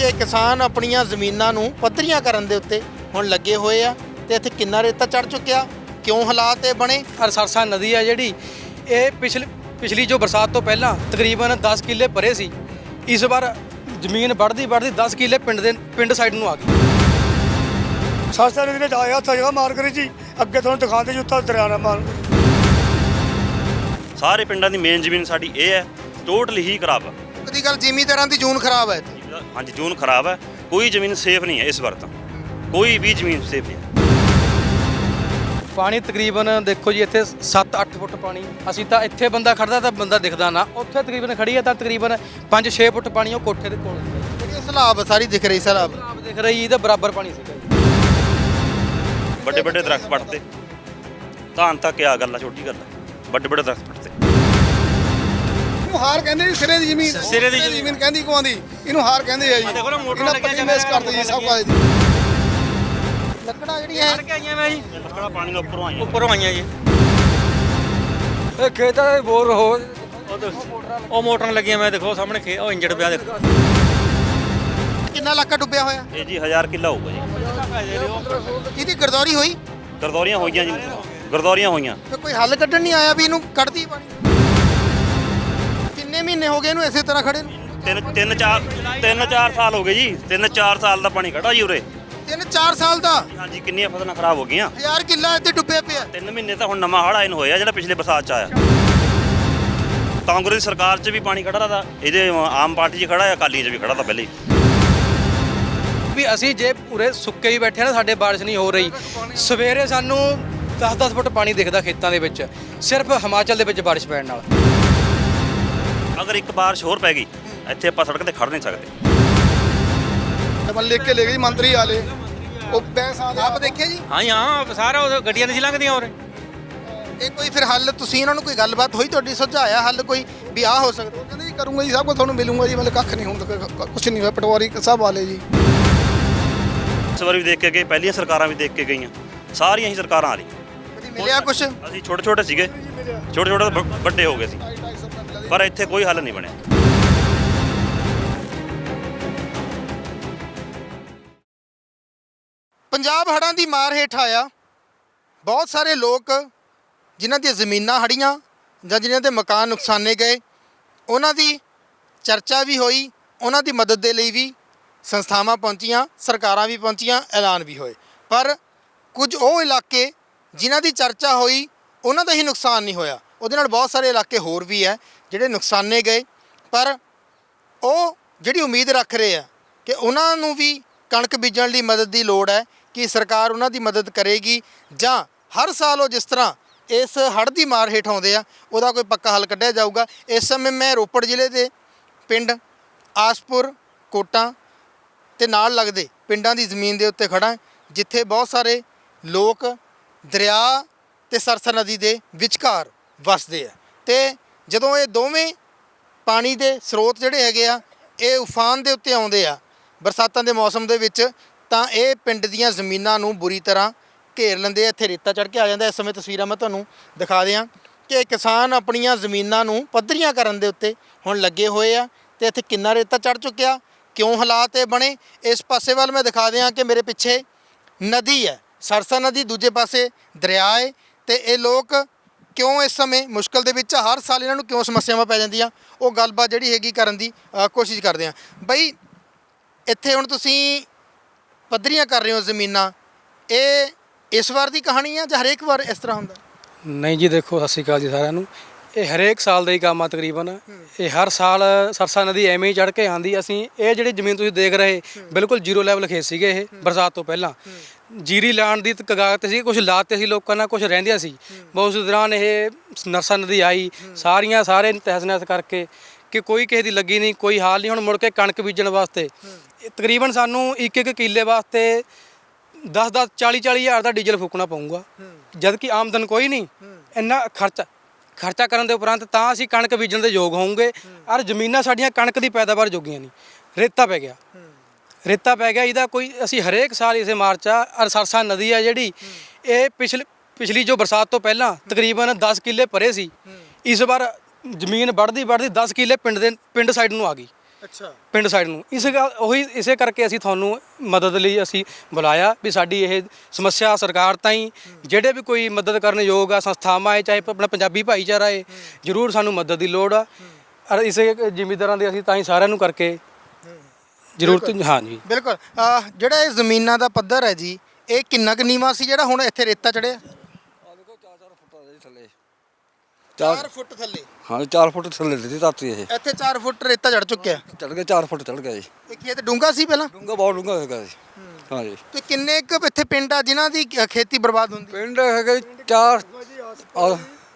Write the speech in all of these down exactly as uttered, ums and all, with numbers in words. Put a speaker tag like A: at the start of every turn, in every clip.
A: कि किसान अपनियां ਜ਼ਮੀਨਾਂ ਨੂੰ ਪੱਧਰੀਆਂ ਕਰਨ ਦੇ ਉੱਤੇ ਹੁਣ ਲੱਗੇ ਹੋਏ ਆ ਤੇ ਇੱਥੇ ਕਿੰਨਾ ਰੇਤਾ ਚੜ ਚੁੱਕਿਆ, ਕਿਉਂ ਹਾਲਾਤ ਇਹ ਬਣੇ।
B: ਔਰ ਸਰਸਾ ਨਦੀ ਆ ਜਿਹੜੀ ਇਹ ਪਿਛਲੇ ਪਿਛਲੀ ਜੋ ਬਰਸਾਤ ਤੋਂ ਪਹਿਲਾਂ ਤਕਰੀਬਨ ਦਸ ਕਿੱਲੇ ਭਰੇ ਸੀ, ਇਸ ਵਾਰ ਜ਼ਮੀਨ ਵੱਧਦੀ ਵੱਧਦੀ ਦਸ ਕਿੱਲੇ ਪਿੰਡ ਦੇ ਪਿੰਡ ਸਾਈਡ ਨੂੰ ਆ ਗਈ।
C: ਸਰਸਾ ਨਦੀ ਵਿੱਚ ਆਇਆ ਉੱਥੇ ਜਗ੍ਹਾ ਮਾਰ ਕਰੀ ਜੀ, ਅੱਗੇ ਤੁਹਾਨੂੰ ਦਿਖਾਉਂਦੇ ਜੀ ਉੱਥੇ ਦਰਿਆ ਨਾਲ ਮਾਰ
D: ਸਾਰੇ ਪਿੰਡਾਂ ਦੀ ਮੇਨ ਜ਼ਮੀਨ ਸਾਡੀ ਇਹ ਹੈ, ਟੋਟਲੀ ਹੀ ਖਰਾਬ ਹੈ।
A: ਕਦੀ ਗੱਲ ਜ਼ਿਮੀਂਦਾਰਾਂ ਦੀ ਜੂਨ ਖਰਾਬ ਹੈ ਇੱਥੇ।
D: ਹਾਂਜੀ ਜੂਨ ਖਰਾਬ ਹੈ, ਕੋਈ ਜ਼ਮੀਨ ਸੇਫ ਨਹੀਂ ਹੈ ਇਸ ਵਾਰ ਤਾਂ, ਕੋਈ ਵੀ ਜ਼ਮੀਨ ਸੇਫ ਨਹੀਂ ਹੈ।
B: ਪਾਣੀ ਤਕਰੀਬਨ ਦੇਖੋ ਜੀ ਇੱਥੇ ਸੱਤ ਅੱਠ ਫੁੱਟ ਪਾਣੀ, ਅਸੀਂ ਤਾਂ ਇੱਥੇ ਬੰਦਾ ਖੜਦਾ ਤਾਂ ਬੰਦਾ ਦਿਖਦਾ ਨਾ, ਉੱਥੇ ਤਕਰੀਬਨ ਖੜੀ ਹੈ ਤਾਂ ਤਕਰੀਬਨ ਪੰਜ ਛੇ ਫੁੱਟ ਪਾਣੀ ਉਹ ਕੋਠੇ ਦੇ ਕੋਲ।
A: ਜਿਹੜੀ ਸਲਾਬ ਸਾਰੀ ਦਿਖ ਰਹੀ ਸਲਾਬ
B: ਆਪ ਦਿਖ ਰਹੀ ਇਹਦਾ ਬਰਾਬਰ ਪਾਣੀ ਸੀਗਾ।
D: ਵੱਡੇ ਵੱਡੇ ਦਰਖਤ ਪੱਟਦੇ, ਧਾਨ ਤਾਂ ਕਿਆ ਗੱਲ ਆ, ਛੋਟੀ ਗੱਲ ਆ, ਵੱਡੇ ਵੱਡੇ ਦਰਖਤ ਪੱਟਦੇ।
E: ਇਹਨੂੰ ਹਾਰ ਕਹਿੰਦੇ ਜੀ, ਸਿਰੇ ਦੀ ਜ਼ਮੀਨ
D: ਸਿਰੇ ਦੀ
E: ਜ਼ਮੀਨ ਕਹਿੰਦੀ ਕੋ ਆਂਦੀ, ਇਹਨੂੰ ਹਾਰ ਕਹਿੰਦੇ ਆ ਜੀ।
D: ਦੇਖੋ ਨਾ ਮੋਟਰ
E: ਇਹਨਾਂ
D: ਲੱਗਿਆ
E: ਪੱਟੀ ਮੇਸ ਕਰਦੇ ਜੀ ਸਭ ਕੁਝ।
A: ਲੱਕੜਾਂ ਜਿਹੜੀਆਂ
B: ਕੇ ਆਈਆਂ ਮੈਂ ਜੀ
D: ਲੱਕੜਾਂ ਪਾਣੀ ਉੱਪਰੋਂ ਆਈਆਂ
B: ਉੱਪਰੋਂ ਆਈਆਂ ਜੀ।
C: ਇਹ ਖੇਤਾਂ ਦੇ ਬੋਰ ਹੋ
B: ਉਹ ਮੋਟਰਾਂ ਲੱਗੀਆਂ, ਮੈਂ ਦੇਖੋ ਸਾਹਮਣੇ ਖੇ ਉਹ ਇੰਜਣ ਪਿਆ ਦੇਖੋ।
A: ਕਿੰਨਾ ਇਲਾਕਾ ਡੁੱਬਿਆ ਹੋਇਆ,
D: ਇਹ ਜੀ ਹਜ਼ਾਰ ਕਿੱਲਾ ਹੋਊਗਾ ਜੀ।
A: ਇਹਦੀ ਗਰਦੌਰੀ ਹੋਈ
D: ਗਰਦੌਰੀਆਂ ਹੋਈਆਂ ਜੀ, ਗਰਦੌਰੀਆਂ ਹੋਈਆਂ।
A: ਤੇ ਕੋਈ ਹੱਲ ਕੱਢਣ ਨਹੀਂ ਆਇਆ ਵੀ ਇਹਨੂੰ ਕੱਢਦੀ ਪਾਣੀ। ਕਿੰਨੇ ਮਹੀਨੇ ਹੋ ਗਏ ਇਹਨੂੰ ਇਸੇ ਤਰ੍ਹਾਂ ਖੜੇ ਨੂੰ?
D: ਤਿੰਨ ਤਿੰਨ ਚਾਰ ਤਿੰਨ ਚਾਰ ਸਾਲ ਹੋ ਗਏ ਜੀ, ਤਿੰਨ ਚਾਰ ਸਾਲ ਦਾ ਪਾਣੀ ਖੜਾ ਜੀ ਉਰੇ।
A: ਤਿੰਨ ਚਾਰ ਸਾਲ ਦਾ
D: ਹਾਂਜੀ ਕਿੰਨੀਆਂ ਫਸਲਾਂ ਖਰਾਬ ਹੋ ਗਈਆਂ।
A: ਹਜ਼ਾਰ ਕਿੱਲਾ ਇੱਥੇ ਡੁੱਬਿਆ ਪਿਆ।
D: ਤਿੰਨ ਮਹੀਨੇ ਤਾਂ ਹੁਣ ਨਵਾਂ ਹੜ੍ਹ ਆਇਨ ਹੋਇਆ ਜਿਹੜਾ ਪਿਛਲੇ ਬਰਸਾਤ ਚ ਆਇਆ। ਕਾਂਗਰਸ ਦੀ ਸਰਕਾਰ 'ਚ ਵੀ ਪਾਣੀ ਖੜਾ ਤਾ, ਇਹਦੇ ਆਮ ਪਾਰਟੀ 'ਚ ਖੜਾ ਹੈ, ਅਕਾਲੀਆਂ 'ਚ ਵੀ ਖੜਾ ਤਾ ਪਹਿਲੇ ਹੀ।
B: ਵੀ ਅਸੀਂ ਜੇ ਪੂਰੇ ਸੁੱਕੇ ਹੀ ਬੈਠੇ ਨਾ, ਸਾਡੇ ਬਾਰਿਸ਼ ਨਹੀਂ ਹੋ ਰਹੀ, ਸਵੇਰੇ ਸਾਨੂੰ ਦਸ ਦਸ ਫੁੱਟ ਪਾਣੀ ਦਿਖਦਾ ਖੇਤਾਂ ਦੇ ਵਿੱਚ, ਸਿਰਫ ਹਿਮਾਚਲ ਦੇ ਵਿੱਚ ਬਾਰਿਸ਼ ਪੈਣ ਨਾਲ।
D: ਅਗਰ ਇੱਕ ਬਾਰਿਸ਼ ਹੋਰ ਪੈ ਗਈ ਇੱਥੇ ਆਪਾਂ ਸੜਕ ਤੇ ਖੜ ਨਹੀਂ ਸਕਦੇ।
E: ਮੈਂ ਲਿਖ ਕੇ ਲੈ ਗਈ ਮੰਤਰੀ ਵਾਲੇ, ਉਹ ਪੈਸਾ
A: ਆਪ ਦੇਖਿਆ ਜੀ।
B: ਹਾਂ ਹਾਂ ਸਾਰਾ ਉਹ ਗੱਡੀਆਂ ਨਹੀਂ ਲੰਘਦੀਆਂ ਹੋਰ।
A: ਇਹ ਕੋਈ ਫਿਰ ਹੱਲ ਤੁਸੀਂ ਇਹਨਾਂ ਨੂੰ ਕੋਈ ਗੱਲਬਾਤ ਹੋਈ ਤੁਹਾਡੀ, ਸੁਝਾਇਆ ਹੱਲ ਕੋਈ ਵੀ ਆਹ ਹੋ ਸਕਦਾ?
E: ਕਹਿੰਦੇ ਜੀ ਕਰੂੰਗਾ ਜੀ, ਸਭ ਕੁਝ ਤੁਹਾਨੂੰ ਮਿਲੂੰਗਾ ਜੀ, ਮਤਲਬ ਕੱਖ ਨਹੀਂ ਹੁਣ ਤੱਕ ਕੁਝ ਨਹੀਂ ਹੋਇਆ। ਪਟਵਾਰੀ ਸਭ ਵਾਲੇ ਜੀ
D: ਇਸ ਵਾਰ ਵੀ ਦੇਖ ਕੇ ਗਏ, ਪਹਿਲੀਆਂ ਸਰਕਾਰਾਂ ਵੀ ਦੇਖ ਕੇ ਗਈਆਂ, ਸਾਰੀਆਂ ਹੀ ਸਰਕਾਰਾਂ ਆ ਰਹੀਆਂ।
A: ਕਦੀ ਮਿਲਿਆ ਕੁਛ?
D: ਅਸੀਂ ਛੋਟੇ ਛੋਟੇ ਸੀਗੇ, ਛੋਟੇ ਛੋਟੇ ਤੋਂ ਵ- ਵੱਡੇ ਹੋ ਗਏ ਸੀ, ਪਰ ਇੱਥੇ ਕੋਈ ਹੱਲ ਨਹੀਂ ਬਣਿਆ।
A: ਪੰਜਾਬ ਹੜ੍ਹਾਂ ਦੀ ਮਾਰ ਹੇਠ ਆਇਆ। ਬਹੁਤ ਸਾਰੇ ਲੋਕ ਜਿਨ੍ਹਾਂ ਦੀਆਂ ਜ਼ਮੀਨਾਂ ਹੜੀਆਂ ਜਾਂ ਜਿਨ੍ਹਾਂ ਦੇ ਮਕਾਨ ਨੁਕਸਾਨੇ ਗਏ, ਉਹਨਾਂ ਦੀ ਚਰਚਾ ਵੀ ਹੋਈ, ਉਹਨਾਂ ਦੀ ਮਦਦ ਦੇ ਲਈ ਵੀ ਸੰਸਥਾਵਾਂ ਪਹੁੰਚੀਆਂ, ਸਰਕਾਰਾਂ ਵੀ ਪਹੁੰਚੀਆਂ, ਐਲਾਨ ਵੀ ਹੋਏ। ਪਰ ਕੁਝ ਉਹ ਇਲਾਕੇ ਜਿਨ੍ਹਾਂ ਦੀ ਚਰਚਾ ਹੋਈ ਉਹਨਾਂ ਦਾ ਹੀ ਨੁਕਸਾਨ ਨਹੀਂ ਹੋਇਆ, ਉਹਦੇ ਨਾਲ ਬਹੁਤ ਸਾਰੇ ਇਲਾਕੇ ਹੋਰ ਵੀ ਹੈ ਜਿਹੜੇ ਨੁਕਸਾਨੇ ਗਏ। ਪਰ ਉਹ ਜਿਹੜੀ ਉਮੀਦ ਰੱਖ ਰਹੇ ਆ ਕਿ ਉਹਨਾਂ ਨੂੰ ਵੀ ਕਣਕ ਬੀਜਣ ਲਈ ਮਦਦ ਦੀ ਲੋੜ ਹੈ, ਕਿ ਸਰਕਾਰ ਉਹਨਾਂ ਦੀ ਮਦਦ ਕਰੇਗੀ, ਜਾਂ ਹਰ ਸਾਲ ਉਹ ਜਿਸ ਤਰ੍ਹਾਂ ਇਸ ਹੜ੍ਹ ਦੀ ਮਾਰ ਹੇਠ ਆਉਂਦੇ ਆ ਉਹਦਾ ਕੋਈ ਪੱਕਾ ਹੱਲ ਕੱਢਿਆ ਜਾਊਗਾ। ਇਸ ਸਮੇਂ ਮੈਂ ਰੋਪੜ ਜ਼ਿਲ੍ਹੇ ਦੇ ਪਿੰਡ ਆਸਪੁਰ, ਕੋਟਾਂ ਤੇ ਨਾਲ ਲੱਗਦੇ ਪਿੰਡਾਂ ਦੀ ਜ਼ਮੀਨ ਦੇ ਉੱਤੇ ਖੜਾ, ਜਿੱਥੇ ਬਹੁਤ ਸਾਰੇ ਲੋਕ ਦਰਿਆ ਤੇ ਸਰਸਾ ਨਦੀ ਦੇ ਵਿਚਕਾਰ ਵਸਦੇ ਆ। ਤੇ ਜਦੋਂ ਇਹ ਦੋਵੇਂ ਪਾਣੀ ਦੇ ਸਰੋਤ ਜਿਹੜੇ ਹੈਗੇ ਆ ਇਹ ਉਫਾਨ ਦੇ ਉੱਤੇ ਆਉਂਦੇ ਆ ਬਰਸਾਤਾਂ ਦੇ ਮੌਸਮ ਦੇ ਵਿੱਚ, ਤਾਂ ਇਹ ਪਿੰਡ ਦੀਆਂ ਜ਼ਮੀਨਾਂ ਨੂੰ ਬੁਰੀ ਤਰ੍ਹਾਂ ਘੇਰ ਲੈਂਦੇ ਆ। ਇੱਥੇ ਰੇਤਾ ਚੜ੍ਹ ਕੇ ਆ ਜਾਂਦਾ। ਇਸ ਸਮੇਂ ਤਸਵੀਰਾਂ ਮੈਂ ਤੁਹਾਨੂੰ ਦਿਖਾ ਦਿਆਂ ਕਿ ਕਿਸਾਨ ਆਪਣੀਆਂ ਜ਼ਮੀਨਾਂ ਨੂੰ ਪੱਧਰੀਆਂ ਕਰਨ ਦੇ ਉੱਤੇ ਹੁਣ ਲੱਗੇ ਹੋਏ ਆ ਤੇ ਇੱਥੇ ਕਿੰਨਾ ਰੇਤਾ ਚੜ੍ਹ ਚੁੱਕਿਆ, ਕਿਉਂ ਹਾਲਾਤ ਇਹ ਬਣੇ। ਇਸ ਪਾਸੇ ਵੱਲ ਮੈਂ ਦਿਖਾ ਦਿਆਂ ਕਿ ਮੇਰੇ ਪਿੱਛੇ ਨਦੀ ਹੈ, ਸਰਸਾ ਨਦੀ, ਦੂਜੇ ਪਾਸੇ ਦਰਿਆ ਹੈ। ਤੇ ਇਹ ਲੋਕ ਕਿਉਂ ਇਸ ਸਮੇਂ ਮੁਸ਼ਕਲ ਦੇ ਵਿੱਚ, ਹਰ ਸਾਲ ਇਹਨਾਂ ਨੂੰ ਕਿਉਂ ਸਮੱਸਿਆਵਾਂ ਪੈ ਜਾਂਦੀਆਂ, ਉਹ ਗੱਲਬਾਤ ਜਿਹੜੀ ਹੈਗੀ ਕਰਨ ਦੀ ਕੋਸ਼ਿਸ਼ ਕਰਦੇ ਹਾਂ। ਬਈ ਇੱਥੇ ਹੁਣ ਤੁਸੀਂ ਪੱਧਰੀਆਂ ਕਰ ਰਹੇ ਹੋ ਜ਼ਮੀਨਾਂ, ਇਹ ਇਸ ਵਾਰ ਦੀ ਕਹਾਣੀ ਹੈ ਜਾਂ ਹਰੇਕ ਵਾਰ ਇਸ ਤਰ੍ਹਾਂ ਹੁੰਦਾ?
B: ਨਹੀਂ ਜੀ ਦੇਖੋ, ਸਤਿ ਸ਼੍ਰੀ ਅਕਾਲ ਜੀ ਸਾਰਿਆਂ ਨੂੰ। ਇਹ ਹਰੇਕ ਸਾਲ ਦਾ ਹੀ ਕੰਮ ਆ ਤਕਰੀਬਨ। ਇਹ ਹਰ ਸਾਲ ਸਰਸਾ ਨਦੀ ਐਵੇਂ ਹੀ ਚੜ੍ਹ ਕੇ ਆਉਂਦੀ। ਅਸੀਂ ਇਹ ਜਿਹੜੀ ਜ਼ਮੀਨ ਤੁਸੀਂ ਦੇਖ ਰਹੇ ਬਿਲਕੁਲ ਜ਼ੀਰੋ ਲੈਵਲ ਖੇਤ ਸੀਗੇ ਇਹ ਬਰਸਾਤ ਤੋਂ ਪਹਿਲਾਂ, ਜੀਰੀ ਲਾਉਣ ਦੀ ਕਗਾਰ 'ਤੇ ਸੀ, ਕੁਝ ਲਾਤੇ ਸੀ ਲੋਕਾਂ ਨਾਲ, ਕੁਝ ਰਹਿੰਦੀਆਂ ਸੀ। ਬਹੁਤ ਉਸ ਦੌਰਾਨ ਇਹ ਸਰਸਾ ਨਦੀ ਆਈ, ਸਾਰੀਆਂ ਸਾਰੇ ਤਹਿਸ ਨਹਿਸ ਕਰਕੇ ਕਿ ਕੋਈ ਕਿਸੇ ਦੀ ਲੱਗੀ ਨਹੀਂ, ਕੋਈ ਹਾਲ ਨਹੀਂ। ਹੁਣ ਮੁੜ ਕੇ ਕਣਕ ਬੀਜਣ ਵਾਸਤੇ ਤਕਰੀਬਨ ਸਾਨੂੰ ਇੱਕ ਇੱਕ ਕਿੱਲੇ ਵਾਸਤੇ ਦਸ ਦਸ ਚਾਲੀ ਚਾਲੀ ਹਜ਼ਾਰ ਦਾ ਡੀਜ਼ਲ ਫੂਕਣਾ ਪਊਗਾ, ਜਦ ਕਿ ਆਮਦਨ ਕੋਈ ਨਹੀਂ। ਇੰਨਾ ਖਰਚਾ ਖਰਚਾ ਕਰਨ ਦੇ ਉਪਰੰਤ ਤਾਂ ਅਸੀਂ ਕਣਕ ਬੀਜਣ ਦੇ ਯੋਗ ਹੋਵਾਂਗੇ। ਔਰ ਜ਼ਮੀਨਾਂ ਸਾਡੀਆਂ ਕਣਕ ਦੀ ਪੈਦਾਵਾਰ ਜੋਗੀਆਂ ਨਹੀਂ, ਰੇਤਾ ਪੈ ਗਿਆ ਰੇਤਾ ਪੈ ਗਿਆ ਇਹਦਾ ਕੋਈ। ਅਸੀਂ ਹਰੇਕ ਸਾਲ ਇਸੇ ਮਾਰਚ ਆ। ਔਰ ਸਰਸਾ ਨਦੀ ਆ ਜਿਹੜੀ ਇਹ ਪਿਛਲੇ ਪਿਛਲੀ ਜੋ ਬਰਸਾਤ ਤੋਂ ਪਹਿਲਾਂ ਤਕਰੀਬਨ ਦਸ ਕਿੱਲੇ ਭਰੇ ਸੀ, ਇਸ ਵਾਰ ਜ਼ਮੀਨ ਵੱਧਦੀ ਵੱਧਦੀ ਦਸ ਕਿੱਲੇ ਪਿੰਡ ਦੇ ਪਿੰਡ ਸਾਈਡ ਨੂੰ ਆ ਗਈ।
A: ਅੱਛਾ
B: ਪਿੰਡ ਸਾਈਡ ਨੂੰ। ਇਸ ਗੱਲ ਉਹੀ ਇਸੇ ਕਰਕੇ ਅਸੀਂ ਤੁਹਾਨੂੰ ਮਦਦ ਲਈ ਅਸੀਂ ਬੁਲਾਇਆ ਵੀ ਸਾਡੀ ਇਹ ਸਮੱਸਿਆ ਸਰਕਾਰ ਤਾਈਂ ਜਿਹੜੇ ਵੀ ਕੋਈ ਮਦਦ ਕਰਨ ਯੋਗ ਆ ਸੰਸਥਾਵਾਂ ਹੈ ਚਾਹੇ ਆਪਣਾ ਪੰਜਾਬੀ ਭਾਈਚਾਰਾ ਹੈ ਜ਼ਰੂਰ ਸਾਨੂੰ ਮਦਦ ਦੀ ਲੋੜ ਆ। ਔਰ ਇਸੇ ਜ਼ਿਮੀਂਦਾਰਾਂ ਦੇ ਅਸੀਂ ਤਾਂ ਹੀ ਸਾਰਿਆਂ ਨੂੰ ਕਰਕੇ ਜ਼ਰੂਰਤ ਹਾਂ ਜੀ।
A: ਬਿਲਕੁਲ ਅਹ ਜਿਹੜਾ ਇਹ ਜ਼ਮੀਨਾਂ ਦਾ ਪੱਧਰ ਹੈ ਜੀ ਇਹ ਕਿੰਨਾ ਕੁ ਨੀਵਾਂ ਸੀ ਜਿਹੜਾ ਹੁਣ ਇੱਥੇ ਰੇਤਾ ਚੜਿਆ ਚਾਰ ਫੁੱਟ ਥੱਲੇ?
F: ਹਾਂ ਚਾਰ ਫੁੱਟ ਥੱਲੇ ਦੀ ਧਰਤੀ ਇਹ
A: ਇੱਥੇ ਚਾਰ ਫੁੱਟ ਰੇਤਾ ਚੜ ਚੁੱਕਿਆ।
F: ਚੜ ਗਿਆ ਚਾਰ ਫੁੱਟ ਚੜ ਗਿਆ ਜੀ।
A: ਇਹ ਖੇਤ ਡੂੰਘਾ ਸੀ ਪਹਿਲਾਂ?
F: ਡੂੰਘਾ ਬਹੁਤ ਡੂੰਘਾ ਹੈਗਾ ਜੀ। ਹਾਂ ਜੀ।
A: ਤੇ ਕਿੰਨੇ ਕੁ ਇੱਥੇ ਪਿੰਡ ਆ ਜਿਨ੍ਹਾਂ ਦੀ ਅ, ਖੇਤੀ ਬਰਬਾਦ ਹੁੰਦੀ?
F: ਪਿੰਡ ਹੈਗਾ ਜੀ ਚਾਰ ਆ-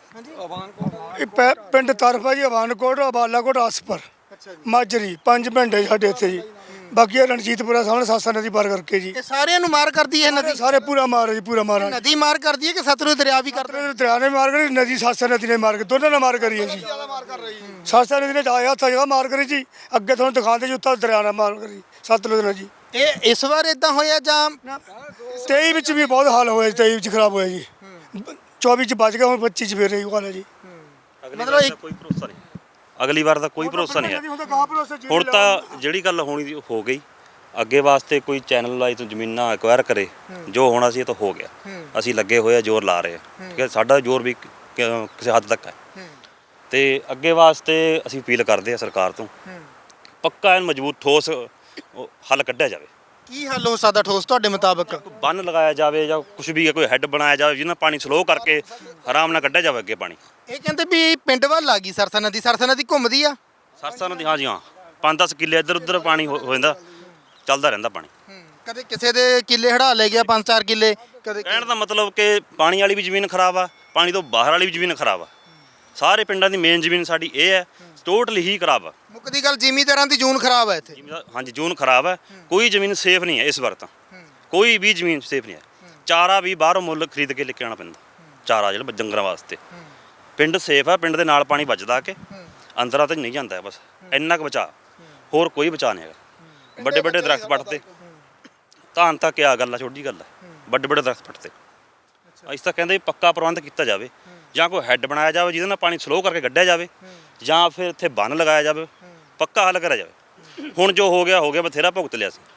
C: ਇਹ ਪੈ- ਪਿੰਡ ਤਰਫਾ ਜੀ, ਅਵਾਨਕੋਟ, ਅਬਾਲਾਕੋਟ, ਆਸਪਰ, ਮਾਜਰੀ, ਪੰਜ ਪਿੰਡ ਹੈ ਸਾਡੇ ਇੱਥੇ ਜੀ। ਬਾਕੀ ਇਹ ਰਣਜੀਤਪੁਰਾ ਸਾਹਮਣੇ ਸਾਸਾ ਨਦੀ ਪਾਰ ਕਰਕੇ ਜੀ।
A: ਇਹ ਸਾਰਿਆਂ ਨੂੰ ਮਾਰ ਕਰਦੀ ਹੈ ਨਦੀ?
C: ਸਾਰੇ ਪੂਰਾ ਮਾਰ ਹੈ ਜੀ, ਪੂਰਾ ਮਾਰ ਹੈ।
A: ਨਦੀ ਮਾਰ ਕਰਦੀ ਹੈ ਕਿ ਸਤਲੁਜ ਦਰਿਆ ਵੀ ਕਰਦਾ?
C: ਸਤਲੁਜ ਦਰਿਆ ਨੇ ਮਾਰ ਕਰੀ, ਨਦੀ ਸਾਸਾ ਨਦੀ ਨੇ ਮਾਰ ਕੇ ਦੋਨਾਂ ਨੇ ਮਾਰ ਕਰੀ ਹੈ ਜੀ। ਸਾਸਾ ਨਦੀ ਨੇ ਆਇਆ ਹੱਥ ਜਗ੍ਹਾ ਮਾਰ ਕਰੀ ਜੀ। ਅੱਗੇ ਤੁਹਾਨੂੰ ਦਿਖਾਉਂਦੇ ਜੀ ਉੱਥੇ ਦਰਿਆ ਨੇ ਮਾਰ ਕਰੀ ਸਤਲੁਜ ਨੇ ਜੀ।
A: ਇਹ ਇਸ ਵਾਰ ਇਦਾਂ ਹੋਇਆ ਜਾਂ
C: ਤੇਈ ਵਿੱਚ ਵੀ ਬਹੁਤ ਹਾਲ ਹੋਇਆ ਜੀ, ਤੇਈ ਵਿੱਚ ਖਰਾਬ ਹੋਇਆ ਜੀ। ਚੌਵੀ ਚ ਬਚ ਗਿਆ, ਹੁਣ ਪੱਚੀ ਚ ਫੇਰ ਇਹੀ ਹਾਲ ਹੈ ਜੀ।
A: ਮਤਲਬ ਇੱਕ-
D: ਕੋਈ ਭਰੋਸਾ ਨਹੀਂ, ਅਗਲੀ ਵਾਰ ਦਾ ਕੋਈ ਭਰੋਸਾ ਨਹੀਂ ਹੈ। ਹੁਣ ਤਾਂ ਜਿਹੜੀ ਗੱਲ ਹੋਣੀ ਸੀ ਉਹ ਹੋ ਗਈ। ਅੱਗੇ ਵਾਸਤੇ ਕੋਈ ਚੈਨਲ ਲਾਈ ਤੋਂ ਜ਼ਮੀਨਾਂ ਐਕਵਾਇਰ ਕਰੇ, ਜੋ ਹੋਣਾ ਸੀ ਇਹ ਤਾਂ ਹੋ ਗਿਆ। ਅਸੀਂ ਲੱਗੇ ਹੋਏ ਆ, ਜ਼ੋਰ ਲਾ ਰਹੇ ਆ ਕਿ ਸਾਡਾ ਜ਼ੋਰ ਵੀ ਕ- ਕਿਸੇ ਹੱਦ ਤੱਕ ਹੈ। ਤੇ ਅੱਗੇ ਵਾਸਤੇ ਅਸੀਂ ਅਪੀਲ ਕਰਦੇ ਆ ਸਰਕਾਰ ਤੋਂ ਪੱਕਾ ਐਨ ਮਜ਼ਬੂਤ ਠੋਸ ਉਹ ਹੱਲ ਕੱਢਿਆ ਜਾਵੇ।
A: ਕੀ ਹੱਲ ਹੋ ਸਕਦਾ ਠੋਸ ਤੁਹਾਡੇ ਮੁਤਾਬਕ?
D: ਬੰਨ ਲਗਾਇਆ ਜਾਵੇ ਜਾਂ ਕੁਝ ਵੀ ਕੋਈ ਹੈੱਡ ਬਣਾਇਆ ਜਾਵੇ ਜਿਹਨਾਂ ਪਾਣੀ ਸਲੋ ਕਰਕੇ ਆਰਾਮ ਨਾਲ ਕੱਢਿਆ ਜਾਵੇ ਅੱਗੇ ਪਾਣੀ।
A: ਇਹ ਕਹਿੰਦੇ ਵੀ ਪਿੰਡ ਵੱਲ ਆ ਗਈ ਸਰਸਾ ਨਦੀ। ਸਰਸਾ ਨਦੀ ਘੁੰਮਦੀ ਆ?
D: ਸਰਸਾ ਨਦੀ ਹਾਂ ਜੀ ਹਾਂ, ਪੰਜ ਦਸ ਕਿੱਲੇ ਇੱਧਰ ਉੱਧਰ ਪਾਣੀ ਹੋ ਹੋ ਜਾਂਦਾ, ਚੱਲਦਾ ਰਹਿੰਦਾ ਪਾਣੀ।
A: ਕਦੇ ਕਿਸੇ ਦੇ ਕਿੱਲੇ ਹੜਾ ਲੈ ਗਿਆ ਪੰਜ ਚਾਰ ਕਿੱਲੇ, ਕਦੇ
D: ਕਹਿਣ ਦਾ ਮਤਲਬ ਕਿ ਪਾਣੀ ਵਾਲੀ ਵੀ ਜ਼ਮੀਨ ਖਰਾਬ ਆ, ਪਾਣੀ ਤੋਂ ਬਾਹਰ ਵਾਲੀ ਵੀ ਜ਼ਮੀਨ ਖਰਾਬ ਆ। ਸਾਰੇ ਪਿੰਡਾਂ ਦੀ ਮੇਨ ਜ਼ਮੀਨ ਸਾਡੀ ਇਹ ਹੈ, ਟੋਟਲੀ ਹੀ ਖਰਾਬ ਆ।
A: ਮੁੱਕਦੀ ਗੱਲ ਜ਼ਿਮੀਂਦਾਰਾਂ ਦੀ ਜੂਨ ਖਰਾਬ ਹੈ ਇੱਥੇ।
D: ਜ਼ਿਮੀਂਦਾਰ- ਹਾਂਜੀ ਜੂਨ ਖਰਾਬ ਹੈ। ਕੋਈ ਜ਼ਮੀਨ ਸੇਫ ਨਹੀਂ ਹੈ ਇਸ ਵਾਰ ਤਾਂ, ਕੋਈ ਵੀ ਜ਼ਮੀਨ ਸੇਫ ਨਹੀਂ ਹੈ। ਚਾਰਾ ਵੀ ਬਾਹਰੋਂ ਮੁੱਲ ਖਰੀਦ ਕੇ ਲੈ ਕੇ ਆਉਣਾ ਪੈਂਦਾ, ਚਾਰਾ ਜਿਹੜਾ ਡੰਗਰਾਂ ਵਾਸਤੇ। ਪਿੰਡ ਸੇਫ ਆ, ਪਿੰਡ ਦੇ ਨਾਲ ਪਾਣੀ ਵੱਜਦਾ ਕਿ ਅੰਦਰਾਂ ਤੇ ਨਹੀਂ ਜਾਂਦਾ ਬਸ ਇੰਨਾ ਕੁ ਬਚਾ, ਹੋਰ ਕੋਈ ਬਚਾ ਨਹੀਂ ਹੈਗਾ। ਵੱਡੇ ਵੱਡੇ ਦਰਖਤ ਪੱਟਦੇ, ਧਾਨ ਤਾਂ ਕਿਆ ਗੱਲ ਆ, ਛੋਟੀ ਗੱਲ ਆ। ਵੱਡੇ ਵੱਡੇ ਦਰਖਤ ਪੱਟਦੇ। ਅਸੀਂ ਤਾਂ ਕਹਿੰਦੇ ਪੱਕਾ ਪ੍ਰਬੰਧ ਕੀਤਾ ਜਾਵੇ, ਜਾਂ ਕੋਈ ਹੈੱਡ ਬਣਾਇਆ ਜਾਵੇ ਜਿਹਦੇ ਨਾਲ ਪਾਣੀ ਸਲੋ ਕਰਕੇ ਕੱਢਿਆ ਜਾਵੇ, ਜਾਂ ਫਿਰ ਇੱਥੇ ਬੰਨ ਲਗਾਇਆ ਜਾਵੇ, ਪੱਕਾ ਹੱਲ ਕਰਿਆ ਜਾਵੇ। ਹੁਣ ਜੋ ਹੋ ਗਿਆ ਹੋ ਗਿਆ, ਬਥੇਰਾ ਭੁਗਤ ਲਿਆ ਸੀ।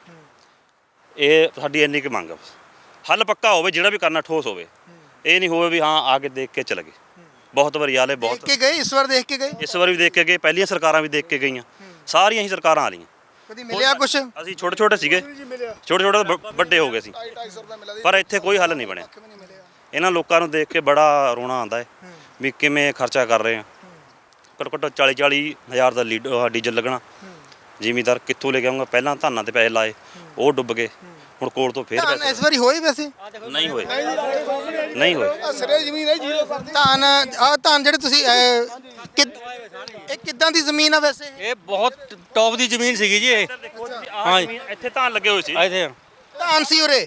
D: ਇਹ ਸਾਡੀ ਇੰਨੀ ਕੁ ਮੰਗ ਆ ਬਸ, ਹੱਲ ਪੱਕਾ ਹੋਵੇ, ਜਿਹੜਾ ਵੀ ਕਰਨਾ ਠੋਸ ਹੋਵੇ। ਇਹ ਨਹੀਂ ਹੋਵੇ ਵੀ ਹਾਂ ਆ ਕੇ ਦੇਖ ਕੇ ਚਲੇ ਗਏ। ਬਹੁਤ ਵਾਰੀ ਆਲੇ
A: ਦੇਖ
D: ਬਹੁਤ
A: ਕੇ ਗਏ ਇਸ ਵਾਰ? ਦੇਖ ਕੇ ਗਏ?
D: ਇਸ ਵਾਰ ਵੀ ਦੇਖ ਕੇ ਗਏ, ਪਹਿਲੀਆਂ ਸਰਕਾਰਾਂ ਵੀ ਦੇਖ ਕੇ ਗਈਆਂ, ਸਾਰੀਆਂ ਹੀ ਸਰਕਾਰਾਂ ਆ ਰਹੀਆਂ।
A: ਕਦੀ ਮਿਲਿਆ ਕੁਛ?
D: ਅਸੀਂ ਛੋਟੇ ਛੋਟੇ ਸੀਗੇ, ਛੋਟੇ ਛੋਟੇ ਬ- ਵੱਡੇ ਹੋ ਗਏ ਸੀ, ਪਰ ਇੱਥੇ ਕੋਈ ਹੱਲ ਨਹੀਂ ਬਣਿਆ। ਇਹਨਾਂ ਲੋਕਾਂ ਨੂੰ ਦੇਖ ਕੇ ਬੜਾ ਰੋਣਾ ਆਉਂਦਾ ਹੈ ਵੀ ਕਿਵੇਂ ਖਰਚਾ ਕਰ ਰਹੇ ਆ। ਘੱਟੋ ਘੱਟ ਚਾਲੀ ਚਾਲੀ ਹਜ਼ਾਰ ਦਾ ਲੀਡ ਆਹ ਡੀਜ਼ਲ ਲੱਗਣਾ। ਜ਼ਿਮੀਂਦਾਰ ਕਿੱਥੋਂ ਲੈ ਕੇ ਆਊਗਾ? ਪਹਿਲਾਂ ਧਾਨਾਂ ਤੇ ਪੈਸੇ ਲਾਏ, ਉਹ ਡੁੱਬ ਗਏ। ਹੁਣ ਕੋਲ ਤੋਂ ਫੇਰ
A: ਧਾਨ
D: ਪੈਸੇ
A: ਇਸ ਵਾਰੀ ਹੋਏ ਵੈਸੇ?
D: ਨਹੀਂ ਹੋਏ, ਨਹੀਂ ਹੋਏ।
E: ਸਿਰੇ ਜ਼ਮੀਨ ਹੈ ਜੀਰੋ ਪਰ
A: ਧਾਨ ਆ ਧਾਨ ਜਿਹੜੇ ਤੁਸੀਂ ਅਹ, ਕਿੱਦ- ਇਹ ਕਿੱਦਾਂ ਦੀ ਜ਼ਮੀਨ ਆ ਵੈਸੇ?
G: ਇਹ ਬਹੁਤ ਟੌਪ ਦੀ ਜ਼ਮੀਨ ਸੀਗੀ ਜੀ ਇਹ।
D: ਹਾਂ ਇੱਥੇ ਧਾਨ ਲੱਗੇ ਹੋਏ ਸੀ।
G: ਇੱਥੇ
A: ਧਾਨ ਸੀ ਉਰੇ?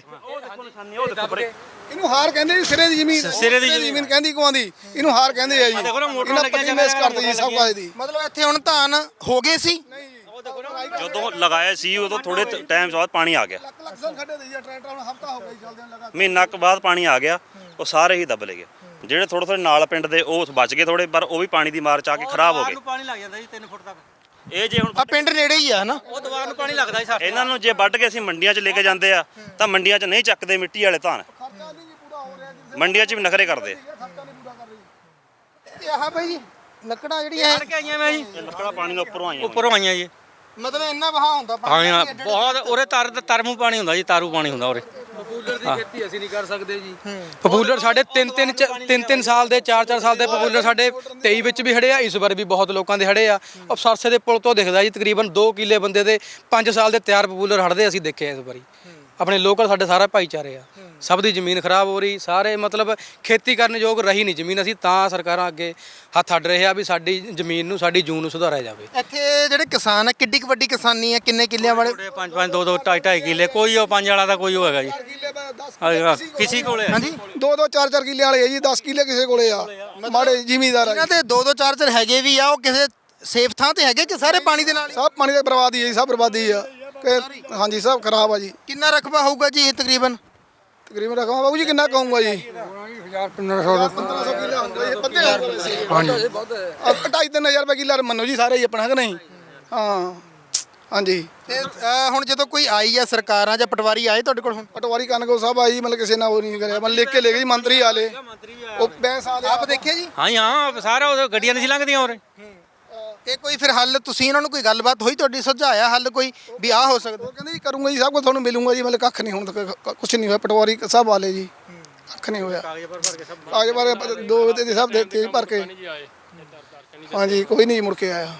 E: ਇਹਨੂੰ ਹਾਰ ਕਹਿੰਦੇ ਜੀ, ਸਿਰੇ ਦੀ ਜ਼ਮੀਨ
G: ਸਿਰੇ ਦੀ
E: ਜ਼ਮੀਨ ਕਹਿੰਦੀ ਕੋਆਂਦੀ, ਇਹਨੂੰ ਹਾਰ ਕਹਿੰਦੇ ਆ ਜੀ।
G: ਦੇਖੋ ਨਾ ਮੋਟਰ
E: ਇਹਨਾਂ
G: ਲੱਗੀਆਂ
E: ਪੱਟੀ ਮੇਸ ਕਰਦੇ ਜੀ ਸਭ ਕੁਝ ਦੀ।
A: ਮਤਲਬ ਇੱਥੇ ਹੁਣ ਧਾਨ ਹੋ ਗਏ ਸੀ?
D: ਜਦੋਂ ਲਗਾਇਆ ਸੀ ਉਦੋਂ ਥੋੜੇ ਟਾਈਮ ਬਾਅਦ ਪਾਣੀ ਆ ਗਿਆ।
E: ਲੱਖ ਲੱਖ ਸਨ ਖੱਡੇ ਦੇ ਜੀ ਟਰੈਕਟਰ, ਹੁਣ ਹਫਤਾ ਹੋ ਗਿਆ ਜੀ ਚੱਲਦੇ ਲਗਾ।
D: ਮਹੀਨਾ ਕੁ ਬਾਅਦ ਪਾਣੀ ਆ ਗਿਆ, ਉਹ ਸਾਰੇ ਹੀ ਦੱਬ ਲਏ ਗਏ। ਜਿਹੜੇ ਥੋੜੇ ਥੋੜੇ ਨਾਲ ਪਿੰਡ ਦੇ ਉਹ ਬਚ ਗਏ ਥੋੜੇ, ਪਰ ਉਹ ਵੀ ਪਾਣੀ ਦੀ ਮਾਰ ਚ ਆ ਕੇ ਖਰਾਬ ਹੋ ਗਏ।
G: ਪਾਣੀ ਲੱਗ ਜਾਂਦਾ ਜੀ ਤਿੰਨ ਫੁੱਟ ਤੱਕ।
D: ਇਹ ਜੇ ਹੁਣ
A: ਆ ਪਿੰਡ ਨੇੜੇ ਹੀ ਆ ਹਨਾ?
G: ਉਹ ਦੀਵਾਰ ਨੂੰ ਪਾਣੀ ਲੱਗਦਾ ਜੀ ਸਾਡੇ।
D: ਇਹਨਾਂ ਨੂੰ ਜੇ ਵੱਢ ਕੇ ਅਸੀਂ ਮੰਡੀਆਂ 'ਚ ਲੈ ਕੇ ਜਾਂਦੇ ਆ ਤਾਂ ਮੰਡੀਆਂ 'ਚ ਨਹੀਂ ਚੱਕਦੇ ਮਿੱਟੀ ਵਾਲੇ ਧਾਨ, ਮੰਡੀਆਂ 'ਚ ਵੀ ਨਖਰੇ ਕਰਦੇ।
A: ਤੇ ਆਹ ਬਾਈ ਜੀ ਲੱਕੜਾਂ ਜਿਹੜੀਆਂ
G: ਫੜ ਕੇ ਆਈਆਂ ਮੈਂ ਜੀ,
D: ਇਹ ਲੱਕੜਾਂ ਪਾਣੀ ਦੇ ਉੱਪਰੋਂ ਆਈਆਂ
G: ਉੱਪਰੋਂ ਆਈਆਂ ਜੀ।
A: ਮਤਲਬ ਇੰਨਾ ਵਹਾ ਹੁੰਦਾ
G: ਹਾਂ
A: ਪਾਣੀ
G: ਹਾਂ,
A: ਦਾ?
G: ਬਹੁਤ ਉਰੇ ਤਰ ਤਰਮੂ ਪਾਣੀ ਹੁੰਦਾ ਜੀ, ਤਾਰੂ ਪਾਣੀ ਹੁੰਦਾ ਉਰੇ।
B: ਪਪੂਲਰ ਦੀ ਖੇਤੀ ਅਸੀਂ ਨਹੀਂ ਕਰ ਸਕਦੇ ਜੀ। ਪਪੂਲਰ ਸਾਡੇ ਤਿੰਨ ਤਿੰਨ ਚ- ਤਿੰਨ ਤਿੰਨ ਸਾਲ ਦੇ ਚਾਰ ਚਾਰ ਸਾਲ ਦੇ ਪਪੂਲਰ ਸਾਡੇ ਤੇਈ ਵਿੱਚ ਵੀ ਹੜੇ ਆ, ਇਸ ਵਾਰ ਵੀ ਬਹੁਤ ਲੋਕਾਂ ਦੇ ਹੜੇ ਆ। ਉਹ ਸਰਸੇ ਦੇ ਪੁਲ ਤੋਂ ਦਿਖਦਾ ਜੀ, ਤਕਰੀਬਨ ਦੋ ਕਿੱਲੇ ਬੰਦੇ ਦੇ ਪੰਜ ਸਾਲ ਦੇ ਤਿਆਰ ਪਪੂਲਰ ਹੜਦੇ ਅਸੀਂ ਦੇਖੇ ਇਸ ਵਾਰੀ। ਆਪਣੇ ਲੋਕਲ ਸਾਡੇ ਸਾਰਾ ਭਾਈਚਾਰੇ ਆ, ਸਭ ਦੀ ਜ਼ਮੀਨ ਖਰਾਬ ਹੋ ਰਹੀ, ਸਾਰੇ ਮਤਲਬ ਖੇਤੀ ਕਰਨ ਯੋਗ ਰਹੀ ਨਹੀਂ ਜ਼ਮੀਨ। ਅਸੀਂ ਤਾਂ ਸਰਕਾਰਾਂ ਅੱਗੇ ਹੱਥ ਅੱਡ ਰਹੇ ਆ ਵੀ ਸਾਡੀ ਜ਼ਮੀਨ ਨੂੰ, ਸਾਡੀ ਜੂਨ ਨੂੰ ਸੁਧਾਰਿਆ ਜਾਵੇ।
A: ਇੱਥੇ ਜਿਹੜੇ ਕਿਸਾਨ ਆ ਕਿੱਡੀ ਕੁ ਵੱਡੀ ਕਿਸਾਨੀ ਆ? ਕਿੰਨੇ ਕਿੱਲਿਆਂ ਵਾਲੇ?
G: ਛੋਟੇ ਪੰਜ ਪੰਜ ਦੋ ਦੋ ਢਾਈ ਢਾਈ ਕਿੱਲੇ, ਕੋਈ ਉਹ ਪੰਜ ਵਾਲਾ ਦਾ ਕੋਈ ਉਹ ਹੈਗਾ ਜੀ। ਹਾਂ, ਕਿਸੇ ਕੋਲੇ
A: ਹਾਂਜੀ
E: ਦੋ ਦੋ ਚਾਰ ਚਾਰ ਕਿੱਲੇ ਵਾਲੇ ਆ ਜੀ, ਦਸ ਕਿੱਲੇ ਕਿਸੇ ਕੋਲੇ ਆ, ਮਾੜੇ ਜ਼ਿਮੀਂਦਾਰ ਆ
A: ਇਹਨਾਂ ਦੇ ਦੋ ਦੋ ਚਾਰ ਚਾਰ ਹੈਗੇ ਵੀ ਆ, ਉਹ ਕਿਸੇ ਸੇਫ ਥਾਂ ਤੇ ਹੈਗੇ ਕਿ ਸਾਰੇ ਪਾਣੀ ਦੇ ਨਾਲ ਹੀ?
E: ਸਭ ਪਾਣੀ ਦੀ ਬਰਬਾਦੀ ਹੈ ਜੀ, ਸਭ ਬਰਬਾਦੀ ਆ ਕਿ ਹਾਂਜੀ ਸਭ ਖਰਾਬ ਆ ਜੀ।
A: ਕਿੰਨਾ ਰਕਬਾ ਹੋਊਗਾ ਜੀ ਇਹ ਤਕਰੀਬਨ?
E: ਤਕਰੀਬਨ ਰਕਮ ਬਾਬੂ ਜੀ ਕਿੰਨਾ ਕਹੂੰਗਾ ਜੀ?
C: ਪੰਦਰਾਂ ਸੌ
E: ਪੰਦਰਾਂ ਸੌ ਕਿੱਲਾ ਹੁੰਦਾ ਜੀ, ਪੱਤੇ ਹਾਂਜੀ ਢਾਈ ਤਿੰਨ ਹਜ਼ਾਰ ਰੁਪਏ ਕਿੱਲਾ ਮੰਨੋ ਜੀ ਸਾਰੇ ਹੀ ਆਪਣਾ, ਹੈ ਕਿ ਨਹੀਂ? ਹਾਂ ਹਾਂਜੀ
A: ਤੇ ਅ, ਹੁਣ ਜਦੋਂ ਕੋਈ ਆਈ ਆ ਸਰਕਾਰਾਂ ਜਾਂ ਪਟਵਾਰੀ ਆਏ ਤੁਹਾਡੇ ਕੋਲ ਹੁਣ
E: ਪਟਵਾਰੀ ਕਨਗੋ ਸਾਹਿਬ ਆਈ ਮਤਲਬ ਕਿਸੇ ਨਾਲ ਉਹ ਨਹੀਂ ਕਰਿਆ ਮਤਲਬ ਲਿਖ ਕੇ ਲੈ ਗਈ ਮੰਤਰੀ ਆਲੇ ਉਹ ਬੈਂਸ ਆਲੇ
A: ਆਪ ਦੇਖਿਆ ਜੀ
G: ਹਾਂ ਜੀ, ਹਾਂ ਸਾਰਾ ਉਹ ਗੱਡੀਆਂ ਨਹੀਂ ਸੀ ਲੰਘਦੀਆਂ ਉਰੇ।
A: ਤੇ ਕੋਈ ਫਿਰ ਹੱਲ ਤੁਸੀਂ ਇਹਨਾਂ ਨੂੰ ਕੋਈ ਗੱਲਬਾਤ ਹੋਈ ਤੁਹਾਡੀ ਸੁਝਾਇਆ ਹੱਲ ਕੋਈ ਵੀ ਆਹ ਹੋ ਸਕਦਾ
E: ਉਹ ਕਹਿੰਦੇ ਜੀ ਕਰੂੰਗਾ ਜੀ ਸਭ ਕੁਝ ਤੁਹਾਨੂੰ ਮਿਲੂੰਗਾ ਜੀ ਮਤਲਬ ਕੱਖ ਨਹੀਂ ਹੁਣ ਤੱਕ ਕੁਝ ਨਹੀਂ ਹੋਇਆ ਪਟਵਾਰੀ ਸਾਹਿਬ ਆਲੇ ਜੀ ਕੱਖ ਨਹੀਂ ਹੋਇਆ ਕਾਗਜ਼ ਭਰ ਦੋ ਦੇ ਸਭ ਦੇ ਤੇ ਭਰ ਕੇ ਹਾਂਜੀ ਕੋਈ ਨਹੀਂ ਮੁੜ ਕੇ ਆਇਆ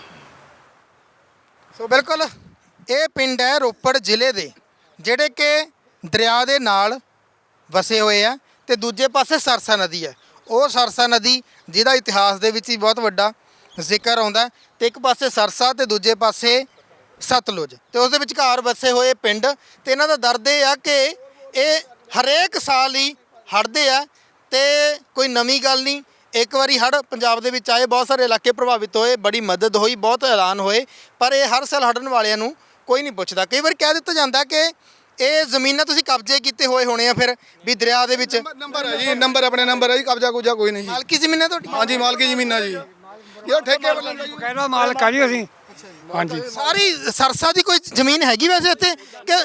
A: ਸੋ ਬਿਲਕੁਲ ਇਹ ਪਿੰਡ ਹੈ ਰੋਪੜ ਜ਼ਿਲ੍ਹੇ ਦੇ ਜਿਹੜੇ ਕਿ ਦਰਿਆ ਦੇ ਨਾਲ ਵਸੇ ਹੋਏ ਆ ਤੇ ਦੂਜੇ ਪਾਸੇ ਸਰਸਾ ਨਦੀ ਹੈ ਉਹ ਸਰਸਾ ਨਦੀ ਜਿਹਦਾ ਇਤਿਹਾਸ ਦੇ ਵਿੱਚ ਹੀ ਬਹੁਤ ਵੱਡਾ ਜ਼ਿਕਰ ਆਉਂਦਾ ਤੇ ਇੱਕ ਪਾਸੇ ਸਰਸਾ ਤੇ ਦੂਜੇ ਪਾਸੇ ਸਤਲੁਜ ਤੇ ਉਸ ਦੇ ਵਿਚਕਾਰ ਵਸੇ ਹੋਏ ਪਿੰਡ ਤੇ ਇਹਨਾਂ ਦਾ ਦਰਦ ਇਹ ਆ ਕਿ ਇਹ ਹਰੇਕ ਸਾਲ ਹੀ ਹੜ੍ਹਦੇ ਆ ਤੇ ਕੋਈ ਨਵੀਂ ਗੱਲ ਨਹੀਂ ਇੱਕ ਵਾਰੀ ਹੜ੍ਹ ਪੰਜਾਬ ਦੇ ਵਿੱਚ ਆਏ ਬਹੁਤ ਸਾਰੇ ਇਲਾਕੇ ਪ੍ਰਭਾਵਿਤ ਹੋਏ ਬੜੀ ਮਦਦ ਹੋਈ ਬਹੁਤ ਐਲਾਨ ਹੋਏ ਪਰ ਇਹ ਹਰ ਸਾਲ ਹੜ੍ਹਨ ਵਾਲਿਆਂ ਨੂੰ ਕੋਈ ਨਹੀਂ ਪੁੱਛਦਾ ਕਈ ਵਾਰ ਕਹਿ ਦਿੱਤਾ ਜਾਂਦਾ ਕਿ ਇਹ ਜ਼ਮੀਨਾਂ ਤੁਸੀਂ ਕਬਜ਼ੇ ਕੀਤੇ ਹੋਏ ਹੋਣੇ ਆ ਫਿਰ ਵੀ ਦਰਿਆ ਦੇ ਵਿੱਚ
E: ਨੰਬਰ ਹੈ ਜੀ ਨੰਬਰ ਆਪਣੇ ਨੰਬਰ ਹੈ ਜੀ ਕਬਜ਼ਾ ਕੁਬਜ਼ਾ ਕੋਈ ਨਹੀਂ ਜੀ
A: ਮਾਲਕੀ ਜ਼ਮੀਨਾਂ ਤੁਹਾਡੀ
E: ਹਾਂਜੀ ਮਾਲਕੀ ਜ਼ਮੀਨਾਂ ਜੀ ਇਹ ਠੇਕੇ ਵੱਲੋਂ ਜੀ
C: ਕਹਿੰਦਾ ਮਾਲਕ ਆ ਜੀ ਅਸੀਂ ਹਾਂਜੀ
A: ਸਾਰੀ ਸਰਸਾ ਦੀ ਕੋਈ ਜ਼ਮੀਨ ਹੈਗੀ ਵੈਸੇ ਇੱਥੇ ਕਿ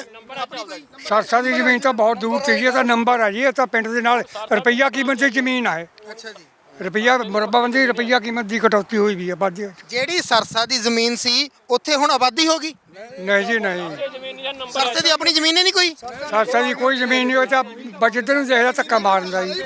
C: ਸਰਸਾ ਦੀ ਜ਼ਮੀਨ ਤਾਂ ਬਹੁਤ ਦੂਰ ਤੇ ਜੀ ਇਹ ਤਾਂ ਨੰਬਰ ਹੈ ਜੀ ਇਹ ਤਾਂ ਪਿੰਡ ਦੇ ਨਾਲ ਰੁਪਈਆ ਕੀਮਤ ਦੀ ਜ਼ਮੀਨ ਹੈ
A: ਅੱਛਾ ਜੀ
C: ਰੁਪਈਆ ਮੁਰੱਬਾਬੰਦੀ ਰੁਪਈਆ ਕੀਮਤ ਦੀ ਕਟੌਤੀ ਹੋਈ ਵੀ ਹੈ ਬਾਜੀ
A: ਜਿਹੜੀ ਸਰਸਾ ਦੀ ਜ਼ਮੀਨ ਸੀ ਉੱਥੇ ਹੁਣ ਆਬਾਦੀ ਹੋ ਗਈ
C: ਨਹੀਂ ਜੀ ਨਹੀਂ
A: ਸਰਸੇ ਦੀ ਆਪਣੀ ਜ਼ਮੀਨ ਹੀ ਨਹੀਂ ਕੋਈ
C: ਸਰਸਾ ਦੀ ਕੋਈ ਜ਼ਮੀਨ ਨਹੀਂ ਉਹ ਤਾਂ ਬਜਟ ਨੂੰ ਦੇਖਦਾ ਧੱਕਾ ਮਾਰਦਾ ਜੀ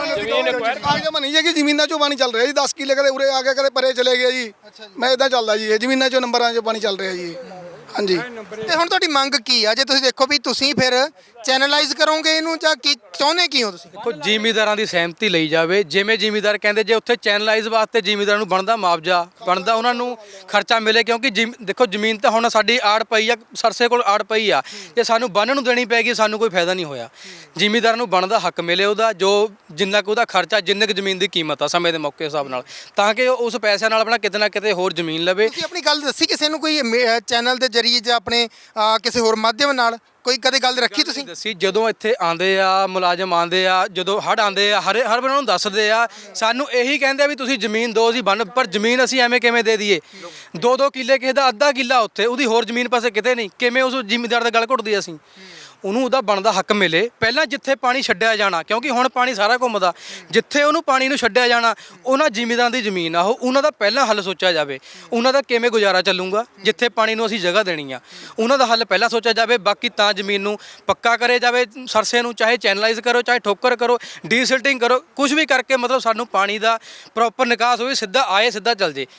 E: ਕਾਗਜ਼ ਬਣੀ ਹੈ ਕਿ ਜ਼ਮੀਨਾਂ ਚੋਂ ਪਾਣੀ ਚੱਲ ਰਿਹਾ ਜੀ ਦਸ ਕਿੱਲੇ ਕਦੇ ਉਰੇ ਆ ਗਿਆ ਕਦੇ ਪਰੇ ਚਲੇ ਗਿਆ ਜੀ ਮੈਂ ਇਦਾਂ ਚੱਲਦਾ ਜੀ ਇਹ ਜ਼ਮੀਨਾਂ ਚੋਂ ਨੰਬਰਾਂ ਚੋਂ ਪਾਣੀ ਚੱਲ ਰਿਹਾ ਜੀ ਹਾਂਜੀ
A: ਤੇ ਹੁਣ ਤੁਹਾਡੀ ਮੰਗ ਕੀ ਆ ਜੇ ਤੁਸੀਂ ਦੇਖੋ ਵੀ ਤੁਸੀਂ ਫਿਰ ਚੈਨਲਾਈਜ਼ ਕਰੋਗੇ ਇਹਨੂੰ ਜਾਂ ਕੀ ਚਾਹੁੰਦੇ ਕੀ ਹੋ ਤੁਸੀਂ
B: ਦੇਖੋ ਜ਼ਿਮੀਂਦਾਰਾਂ ਦੀ ਸਹਿਮਤੀ ਲਈ ਜਾਵੇ ਜਿਵੇਂ ਜ਼ਿਮੀਂਦਾਰ ਕਹਿੰਦੇ ਜੇ ਉੱਥੇ ਚੈਨਲਾਈਜ਼ ਵਾਸਤੇ ਜ਼ਿਮੀਂਦਾਰਾਂ ਨੂੰ ਬਣਦਾ ਮੁਆਵਜ਼ਾ ਬਣਦਾ ਉਹਨਾਂ ਨੂੰ ਖਰਚਾ ਮਿਲੇ ਕਿਉਂਕਿ ਜ਼ਿਮ- ਦੇਖੋ ਜ਼ਮੀਨ ਤਾਂ ਹੁਣ ਸਾਡੀ ਆੜ ਪਈ ਆ ਸਰਸੇ ਕੋਲ ਆੜ ਪਈ ਆ ਜੇ ਸਾਨੂੰ ਬੰਨ ਨੂੰ ਦੇਣੀ ਪੈਗੀ ਸਾਨੂੰ ਕੋਈ ਫਾਇਦਾ ਨਹੀਂ ਹੋਇਆ ਜ਼ਿਮੀਂਦਾਰਾਂ ਨੂੰ ਬਣਦਾ ਹੱਕ ਮਿਲੇ ਉਹਦਾ ਜੋ ਜਿੰਨਾ ਕੁ ਉਹਦਾ ਖਰਚਾ ਜਿੰਨੇ ਕੁ ਜ਼ਮੀਨ ਦੀ ਕੀਮਤ ਆ ਸਮੇਂ ਦੇ ਮੌਕੇ ਹਿਸਾਬ ਨਾਲ ਤਾਂ ਕਿ ਉਹ ਉਸ ਪੈਸਿਆਂ ਨਾਲ ਆਪਣਾ ਕਿਤੇ ਨਾ ਕਿਤੇ ਹੋਰ ਜ਼ਮੀਨ ਲਵੇ
A: ਤੁਸੀਂ ਆਪਣੀ ਗੱਲ ਦੱਸੀ ਕਿਸੇ ਨੂੰ ਕੋਈ ਚੈਨਲ ਦੇ ਜ਼ਰੀਏ ਜਾਂ ਆਪਣੇ ਅਹ, ਕਿਸੇ ਹੋਰ ਮਾਧਿਅਮ ਨਾਲ ਕੋਈ ਕਦੇ ਗੱਲ ਰੱਖੀ ਤੁਸੀਂ
B: ਦੱਸੀ ਜਦੋਂ ਇੱਥੇ ਆਂਦੇ ਆ ਮੁਲਾਜ਼ਮ ਆਂਦੇ ਆ ਜਦੋਂ ਹੜ ਆਂਦੇ ਆ ਹਰ ਹਰ ਉਹਨਾਂ ਨੂੰ ਦੱਸਦੇ ਆ ਸਾਨੂੰ ਇਹੀ ਕਹਿੰਦੇ ਆ ਵੀ ਤੁਸੀਂ ਜ਼ਮੀਨ ਦਿਓ ਅਸੀਂ ਬੰਨ ਪਰ ਜ਼ਮੀਨ ਅਸੀਂ ਐਵੇਂ ਕਿਵੇਂ ਦੇ ਦਈਏ ਦੋ ਦੋ ਕਿੱਲੇ ਕਿਸੇ ਦਾ ਅੱਧਾ ਕਿੱਲਾ ਉੱਥੇ ਉਹਦੀ ਹੋਰ ਜ਼ਮੀਨ ਪਾਸੇ ਕਿਤੇ ਨਹੀਂ ਕਿਵੇਂ ਉਸ ਜ਼ਿਮੀਂਦਾਰ ਦਾ ਗਲ ਘੁੱਟਦੀ ਅਸੀਂ ਉਹਨੂੰ ਉਹਦਾ ਬਣਦਾ ਹੱਕ ਮਿਲੇ ਪਹਿਲਾਂ ਜਿੱਥੇ ਪਾਣੀ ਛੱਡਿਆ ਜਾਣਾ ਕਿਉਂਕਿ ਹੁਣ ਪਾਣੀ ਸਾਰਾ ਘੁੰਮਦਾ ਜਿੱਥੇ ਉਹਨੂੰ ਪਾਣੀ ਨੂੰ ਛੱਡਿਆ ਜਾਣਾ ਉਹਨਾਂ ਜ਼ਿਮੀਂਦਾਰਾਂ ਦੀ ਜ਼ਮੀਨ ਆ ਉਹ ਉਹਨਾਂ ਦਾ ਪਹਿਲਾਂ ਹੱਲ ਸੋਚਿਆ ਜਾਵੇ ਉਹਨਾਂ ਦਾ ਕਿਵੇਂ ਗੁਜ਼ਾਰਾ ਚੱਲੂਗਾ ਜਿੱਥੇ ਪਾਣੀ ਨੂੰ ਅਸੀਂ ਜਗ੍ਹਾ ਦੇਣੀ ਆ ਉਹਨਾਂ ਦਾ ਹੱਲ ਪਹਿਲਾਂ ਸੋਚਿਆ ਜਾਵੇ ਬਾਕੀ ਤਾਂ ਜ਼ਮੀਨ ਨੂੰ ਪੱਕਾ ਕਰੇ ਜਾਵੇ ਸਰਸੇ ਨੂੰ ਚਾਹੇ ਚੈਨਲਾਈਜ਼ ਕਰੋ ਚਾਹੇ ਠੋਕਰ ਕਰੋ ਡੀਸਿਲਟਿੰਗ ਕਰੋ ਕੁਝ ਵੀ ਕਰਕੇ ਮਤਲਬ ਸਾਨੂੰ ਪਾਣੀ ਦਾ ਪ੍ਰੋਪਰ ਨਿਕਾਸ ਹੋਵੇ ਸਿੱਧਾ ਆਏ ਸਿੱਧਾ ਚੱਲ ਜੇ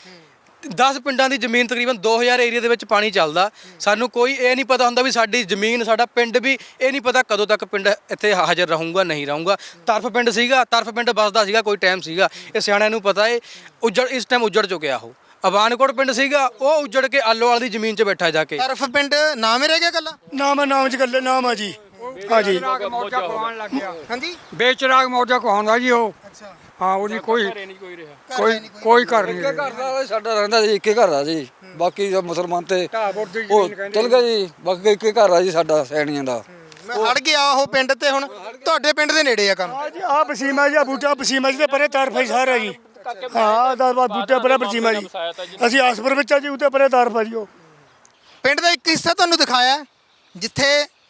B: ਦਸ ਪਿੰਡਾਂ ਦੀ ਜ਼ਮੀਨ ਤਕਰੀਬਨ ਦੋ ਹਜ਼ਾਰ ਏਰੀਆ ਦੇ ਵਿੱਚ ਪਾਣੀ ਚੱਲਦਾ ਸਾਨੂੰ ਕੋਈ ਇਹ ਨਹੀਂ ਪਤਾ ਹੁੰਦਾ ਵੀ ਸਾਡੀ ਜ਼ਮੀਨ ਸਾਡਾ ਪਿੰਡ ਵੀ ਇਹ ਨਹੀਂ ਪਤਾ ਕਦੋਂ ਤੱਕ ਪਿੰਡ ਇੱਥੇ ਹਾਜ਼ਰ ਰਹੂੰਗਾ ਨਹੀਂ ਰਹੂੰਗਾ ਤਰਫ ਪਿੰਡ ਸੀਗਾ ਤਰਫ ਪਿੰਡ ਵੱਸਦਾ ਸੀਗਾ ਕੋਈ ਟਾਈਮ ਸੀਗਾ ਇਹ ਸਿਆਣਿਆਂ ਨੂੰ ਪਤਾ ਹੈ ਉੱਜੜ ਇਸ ਟਾਈਮ ਉੱਜੜ ਚੁੱਕਿਆ ਉਹ ਅਬਾਨਕੋਟ ਪਿੰਡ ਸੀਗਾ ਉਹ ਉੱਜੜ ਕੇ ਆਲੋਵਾਲ ਦੀ ਜ਼ਮੀਨ 'ਚ ਬੈਠਾ ਜਾ ਕੇ
A: ਤਰਫ ਪਿੰਡ ਨਾਮ ਹੀ ਰਹਿ ਗਿਆ ਕੱਲਾ
C: ਨਾਮ ਹੈ ਨਾਮ ਚ ਗੱਲੇ ਨਾਮ ਆ ਜੀ ਹਾਂਜੀ ਮੌਜਾ ਕਹਾਉਣ ਲੱਗ ਗਿਆ
A: ਹਾਂਜੀ
C: ਬੇਚਰਾਗ ਮੌਜਾ ਕਹਾਉਂਦਾ ਜੀ ਉਹ
A: ਅੱਛਾ
C: ਹਾਂ ਉਹਦੀ ਕੋਈ ਕੋਈ ਕੋਈ ਘਰ ਨਹੀਂ
F: ਘਰ ਦਾ ਸਾਡਾ ਰਹਿੰਦਾ ਜੀ ਇੱਕੇ ਘਰ ਆ ਜੀ ਬਾਕੀ ਜੋ ਮੁਸਲਮਾਨ ਤੇ
C: ਢਾਬੋਰ ਦੀ
F: ਉਹ
C: ਜ਼ਮੀਨ ਕਹਿੰਦੇ
F: ਚਲ ਗਿਆ ਜੀ ਬਾਕੀ ਇੱਕੇ ਘਰ ਆ ਜੀ ਸਾਡਾ ਸੈਣੀਆਂ ਦਾ
A: ਮੈਂ ਹੜ ਗਿਆ ਉਹ ਪਿੰਡ ਤੇ ਹੁਣ ਤੁਹਾਡੇ ਪਿੰਡ ਦੇ ਨੇੜੇ ਆ ਕੰਮ
C: ਆ ਜੀ ਆ ਪਸੀਮਾ ਜੀ ਆ ਬੂਟਾ ਪਸੀਮਾ ਜੀ ਤੇ ਪਰੇ ਤਾਰਫਾ ਹੀ ਸਾਰਾ ਜੀ ਹਾਂ ਦਾ ਬੂਟਾ ਪਰੇ ਪਸੀਮਾ ਜੀ ਅਸੀਂ ਆਸਪੁਰ ਵਿੱਚ ਆ ਜੀ ਉੱਤੇ ਪਰੇ ਤਾਰਫਾ ਜੀ ਉਹ
A: ਪਿੰਡ ਦਾ ਇੱਕ ਹਿੱਸਾ ਤੁਹਾਨੂੰ ਦਿਖਾਇਆ ਜਿੱਥੇ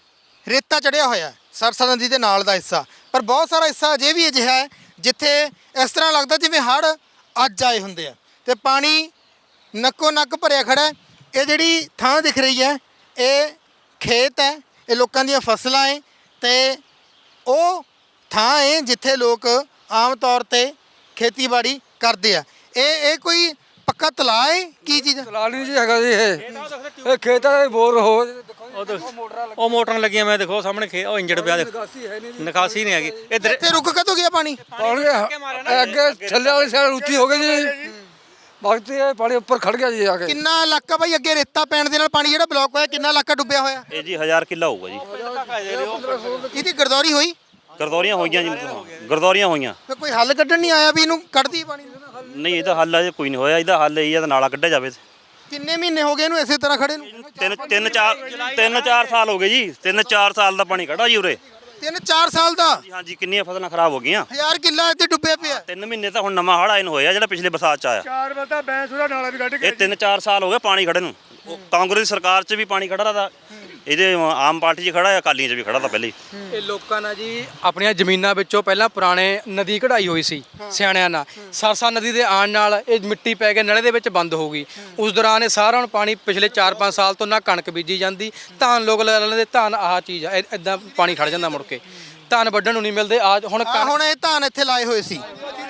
A: ਰੇਤਾ ਚੜਿਆ ਹੋਇਆ ਹੈ, ਸਰਸਾ ਨਦੀ ਦੇ ਨਾਲ ਦਾ ਹਿੱਸਾ ਪਰ ਬਹੁਤ ਸਾਰਾ ਹਿੱਸਾ ਅਜੇ ਵੀ ਅਜਿਹਾ ਹੈ ਜਿੱਥੇ ਇਸ ਤਰ੍ਹਾਂ ਲੱਗਦਾ ਜਿਵੇਂ ਹੜ੍ਹ ਅੱਜ ਆਏ ਹੁੰਦੇ ਆ ਤੇ ਪਾਣੀ ਨੱਕੋ ਨੱਕ ਭਰਿਆ ਖੜਾ ਹੈ। ਇਹ ਜਿਹੜੀ ਥਾਂ ਦਿਖ ਰਹੀ ਹੈ ਇਹ ਖੇਤ ਹੈ ਇਹ ਲੋਕਾਂ ਦੀਆਂ ਫਸਲਾਂ ਹੈ ਤੇ ਉਹ ਥਾਂ ਹੈ ਜਿੱਥੇ ਲੋਕ ਆਮ ਤੌਰ ਤੇ ਖੇਤੀਬਾੜੀ ਕਰਦੇ ਆ ਇਹ ਇਹ ਕੋਈ ਪੱਕਾ ਤਲਾਅ ਹੈ ਕੀ ਚੀਜ਼ ਹੈ?
F: ਤਲਾ ਨਹੀਂ ਜੀ ਹੈਗਾ ਜੀ ਇਹ ਇਹ ਖੇਤਾਂ ਦੇ ਬੋਰ ਹੋ
G: ਉਹ ਦੇਖ- ਉਹ ਮੋਟਰਾਂ ਲੱਗੀਆਂ ਮੈਂ ਦੇਖੋ ਸਾਹਮਣੇ ਖੇ ਉਹ ਇੰਜੜ ਪਿਆ ਦੇਖ ਨਿਕਾਸੀ ਨਹੀਂ ਹੈਗੀ ਇੱਧਰ
A: ਇੱਥੇ ਰੁਕ ਕਦੋਂ ਗਿਆ ਪਾਣੀ
F: ਪਾਣੀ ਅੱਗੇ ਥੱਲੇ ਵਾਲੀ ਸਾਈਡ ਉੱਚੀ ਹੋ ਗਈ ਜੀ ਬਾਕੀ ਇਹ ਪਾਣੀ ਉੱਪਰ ਖੜ ਗਿਆ ਜੀ ਆ ਕੇ
A: ਕਿੰਨਾ ਇਲਾਕਾ ਬਾਈ ਅੱਗੇ ਰੇਤਾ ਪੈਣ ਦੇ ਨਾਲ ਪਾਣੀ ਜਿਹੜਾ ਬਲੌਕ ਹੋਇਆ ਕਿੰਨਾ ਇਲਾਕਾ ਡੁੱਬਿਆ ਹੋਇਆ
D: ਇਹ ਜੀ ਹਜ਼ਾਰ ਕਿੱਲਾ ਹੋਊਗਾ ਜੀ
A: ਇਹਦੀ ਗਰਦੌਰੀ ਹੋਈ
D: ਗਰਦੌਰੀਆਂ ਹੋਈਆਂ ਜੀ ਮਤਲਬ ਗਰਦੌਰੀਆਂ ਹੋਈਆਂ
A: ਫਿਰ ਕੋਈ ਹੱਲ ਕੱਢਣ ਨਹੀਂ ਆਇਆ ਵੀ ਇਹਨੂੰ ਕੱਢਦੀ ਪਾਣੀ ਨੂੰ?
D: ਨਹੀਂ ਇਹਦਾ ਹੱਲ ਅਜੇ ਕੋਈ ਨਹੀਂ ਹੋਇਆ ਇਹਦਾ ਹੱਲ ਇਹ ਆ ਨਾਲਾ ਕੱਢਿਆ ਜਾਵੇ
A: ਕਿੰਨੇ ਮਹੀਨੇ ਹੋ ਗਏ ਇਹਨੂੰ ਇਸੇ ਤਰ੍ਹਾਂ ਖੜੇ ਨੂੰ
D: ਤਿੰਨ ਤਿੰਨ ਚਾਰ ਤਿੰਨ ਚਾਰ ਸਾਲ ਹੋ ਗਏ ਜੀ ਤਿੰਨ ਚਾਰ ਸਾਲ ਦਾ ਪਾਣੀ ਖੜਾ ਜੀ ਉਰੇ
A: ਤਿੰਨ ਚਾਰ ਸਾਲ ਦਾ
D: ਜੀ ਹਾਂਜੀ ਕਿੰਨੀਆਂ ਫਸਲਾਂ ਖਰਾਬ ਹੋ ਗਈਆਂ
A: ਹਜ਼ਾਰ ਕਿੱਲਾ ਇੱਥੇ ਡੁੱਬਿਆ ਪਿਆ
D: ਤਿੰਨ ਮਹੀਨੇ ਤਾਂ ਹੁਣ ਨਵਾਂ ਹੜ੍ਹ ਆਇਨ ਹੋਇਆ ਜਿਹੜਾ ਪਿਛਲੇ ਬਰਸਾਤ ਚ ਆਇਆ
C: ਚਾਰ ਬਤਾ ਬੈਂਸ ਉਹਦਾ ਨਾਲਾ ਵੀ ਕੱਢ
D: ਇਹ ਤਿੰਨ ਚਾਰ ਸਾਲ ਹੋ ਗਏ ਪਾਣੀ ਖੜੇ ਨੂੰ ਉਹ ਕਾਂਗਰਸ ਦੀ ਸਰਕਾਰ 'ਚ ਵੀ ਪਾਣੀ ਖੜਾ ਰਹਾ, ਇਹਦੇ ਆਮ ਪਾਰਟੀ 'ਚ ਖੜਾ ਹੈ, ਅਕਾਲੀਆਂ 'ਚ ਵੀ ਖੜਾ ਤਾਂ ਪਹਿਲੇ ਹੀ।
B: ਇਹ ਲੋਕਾਂ ਨਾਲ ਜੀ ਆਪਣੀਆਂ ਜ਼ਮੀਨਾਂ ਵਿੱਚੋਂ ਪਹਿਲਾਂ ਪੁਰਾਣੇ ਨਦੀ ਕਢਾਈ ਹੋਈ ਸੀ ਸਿਆਣਿਆਂ ਨਾਲ। ਸਰਸਾ ਨਦੀ ਦੇ ਆਉਣ ਨਾਲ ਇਹ ਮਿੱਟੀ ਪੈ ਕੇ ਨਲੇ ਦੇ ਵਿੱਚ ਬੰਦ ਹੋ ਗਈ। ਉਸ ਦੌਰਾਨ ਇਹ ਸਾਰਾ ਹੁਣ ਪਾਣੀ ਪਿਛਲੇ ਚਾਰ ਪੰਜ ਸਾਲ ਤੋਂ ਨਾ ਕਣਕ ਬੀਜੀ ਜਾਂਦੀ, ਧਾਨ ਲੋਕ ਲੈ ਲੈਂਦੇ, ਧਾਨ ਆਹ ਚੀਜ਼ ਆ, ਇਦਾਂ ਪਾਣੀ ਖੜ ਜਾਂਦਾ ਮੁੜ ਕੇ, ਧਾਨ ਵੱਢਣ ਨੂੰ ਨਹੀਂ ਮਿਲਦੇ। ਆ ਹੁਣ
A: ਆ
B: ਕਣਕ-
A: ਹੁਣ ਇਹ ਧਾਨ ਇੱਥੇ ਲਾਏ ਹੋਏ ਸੀ।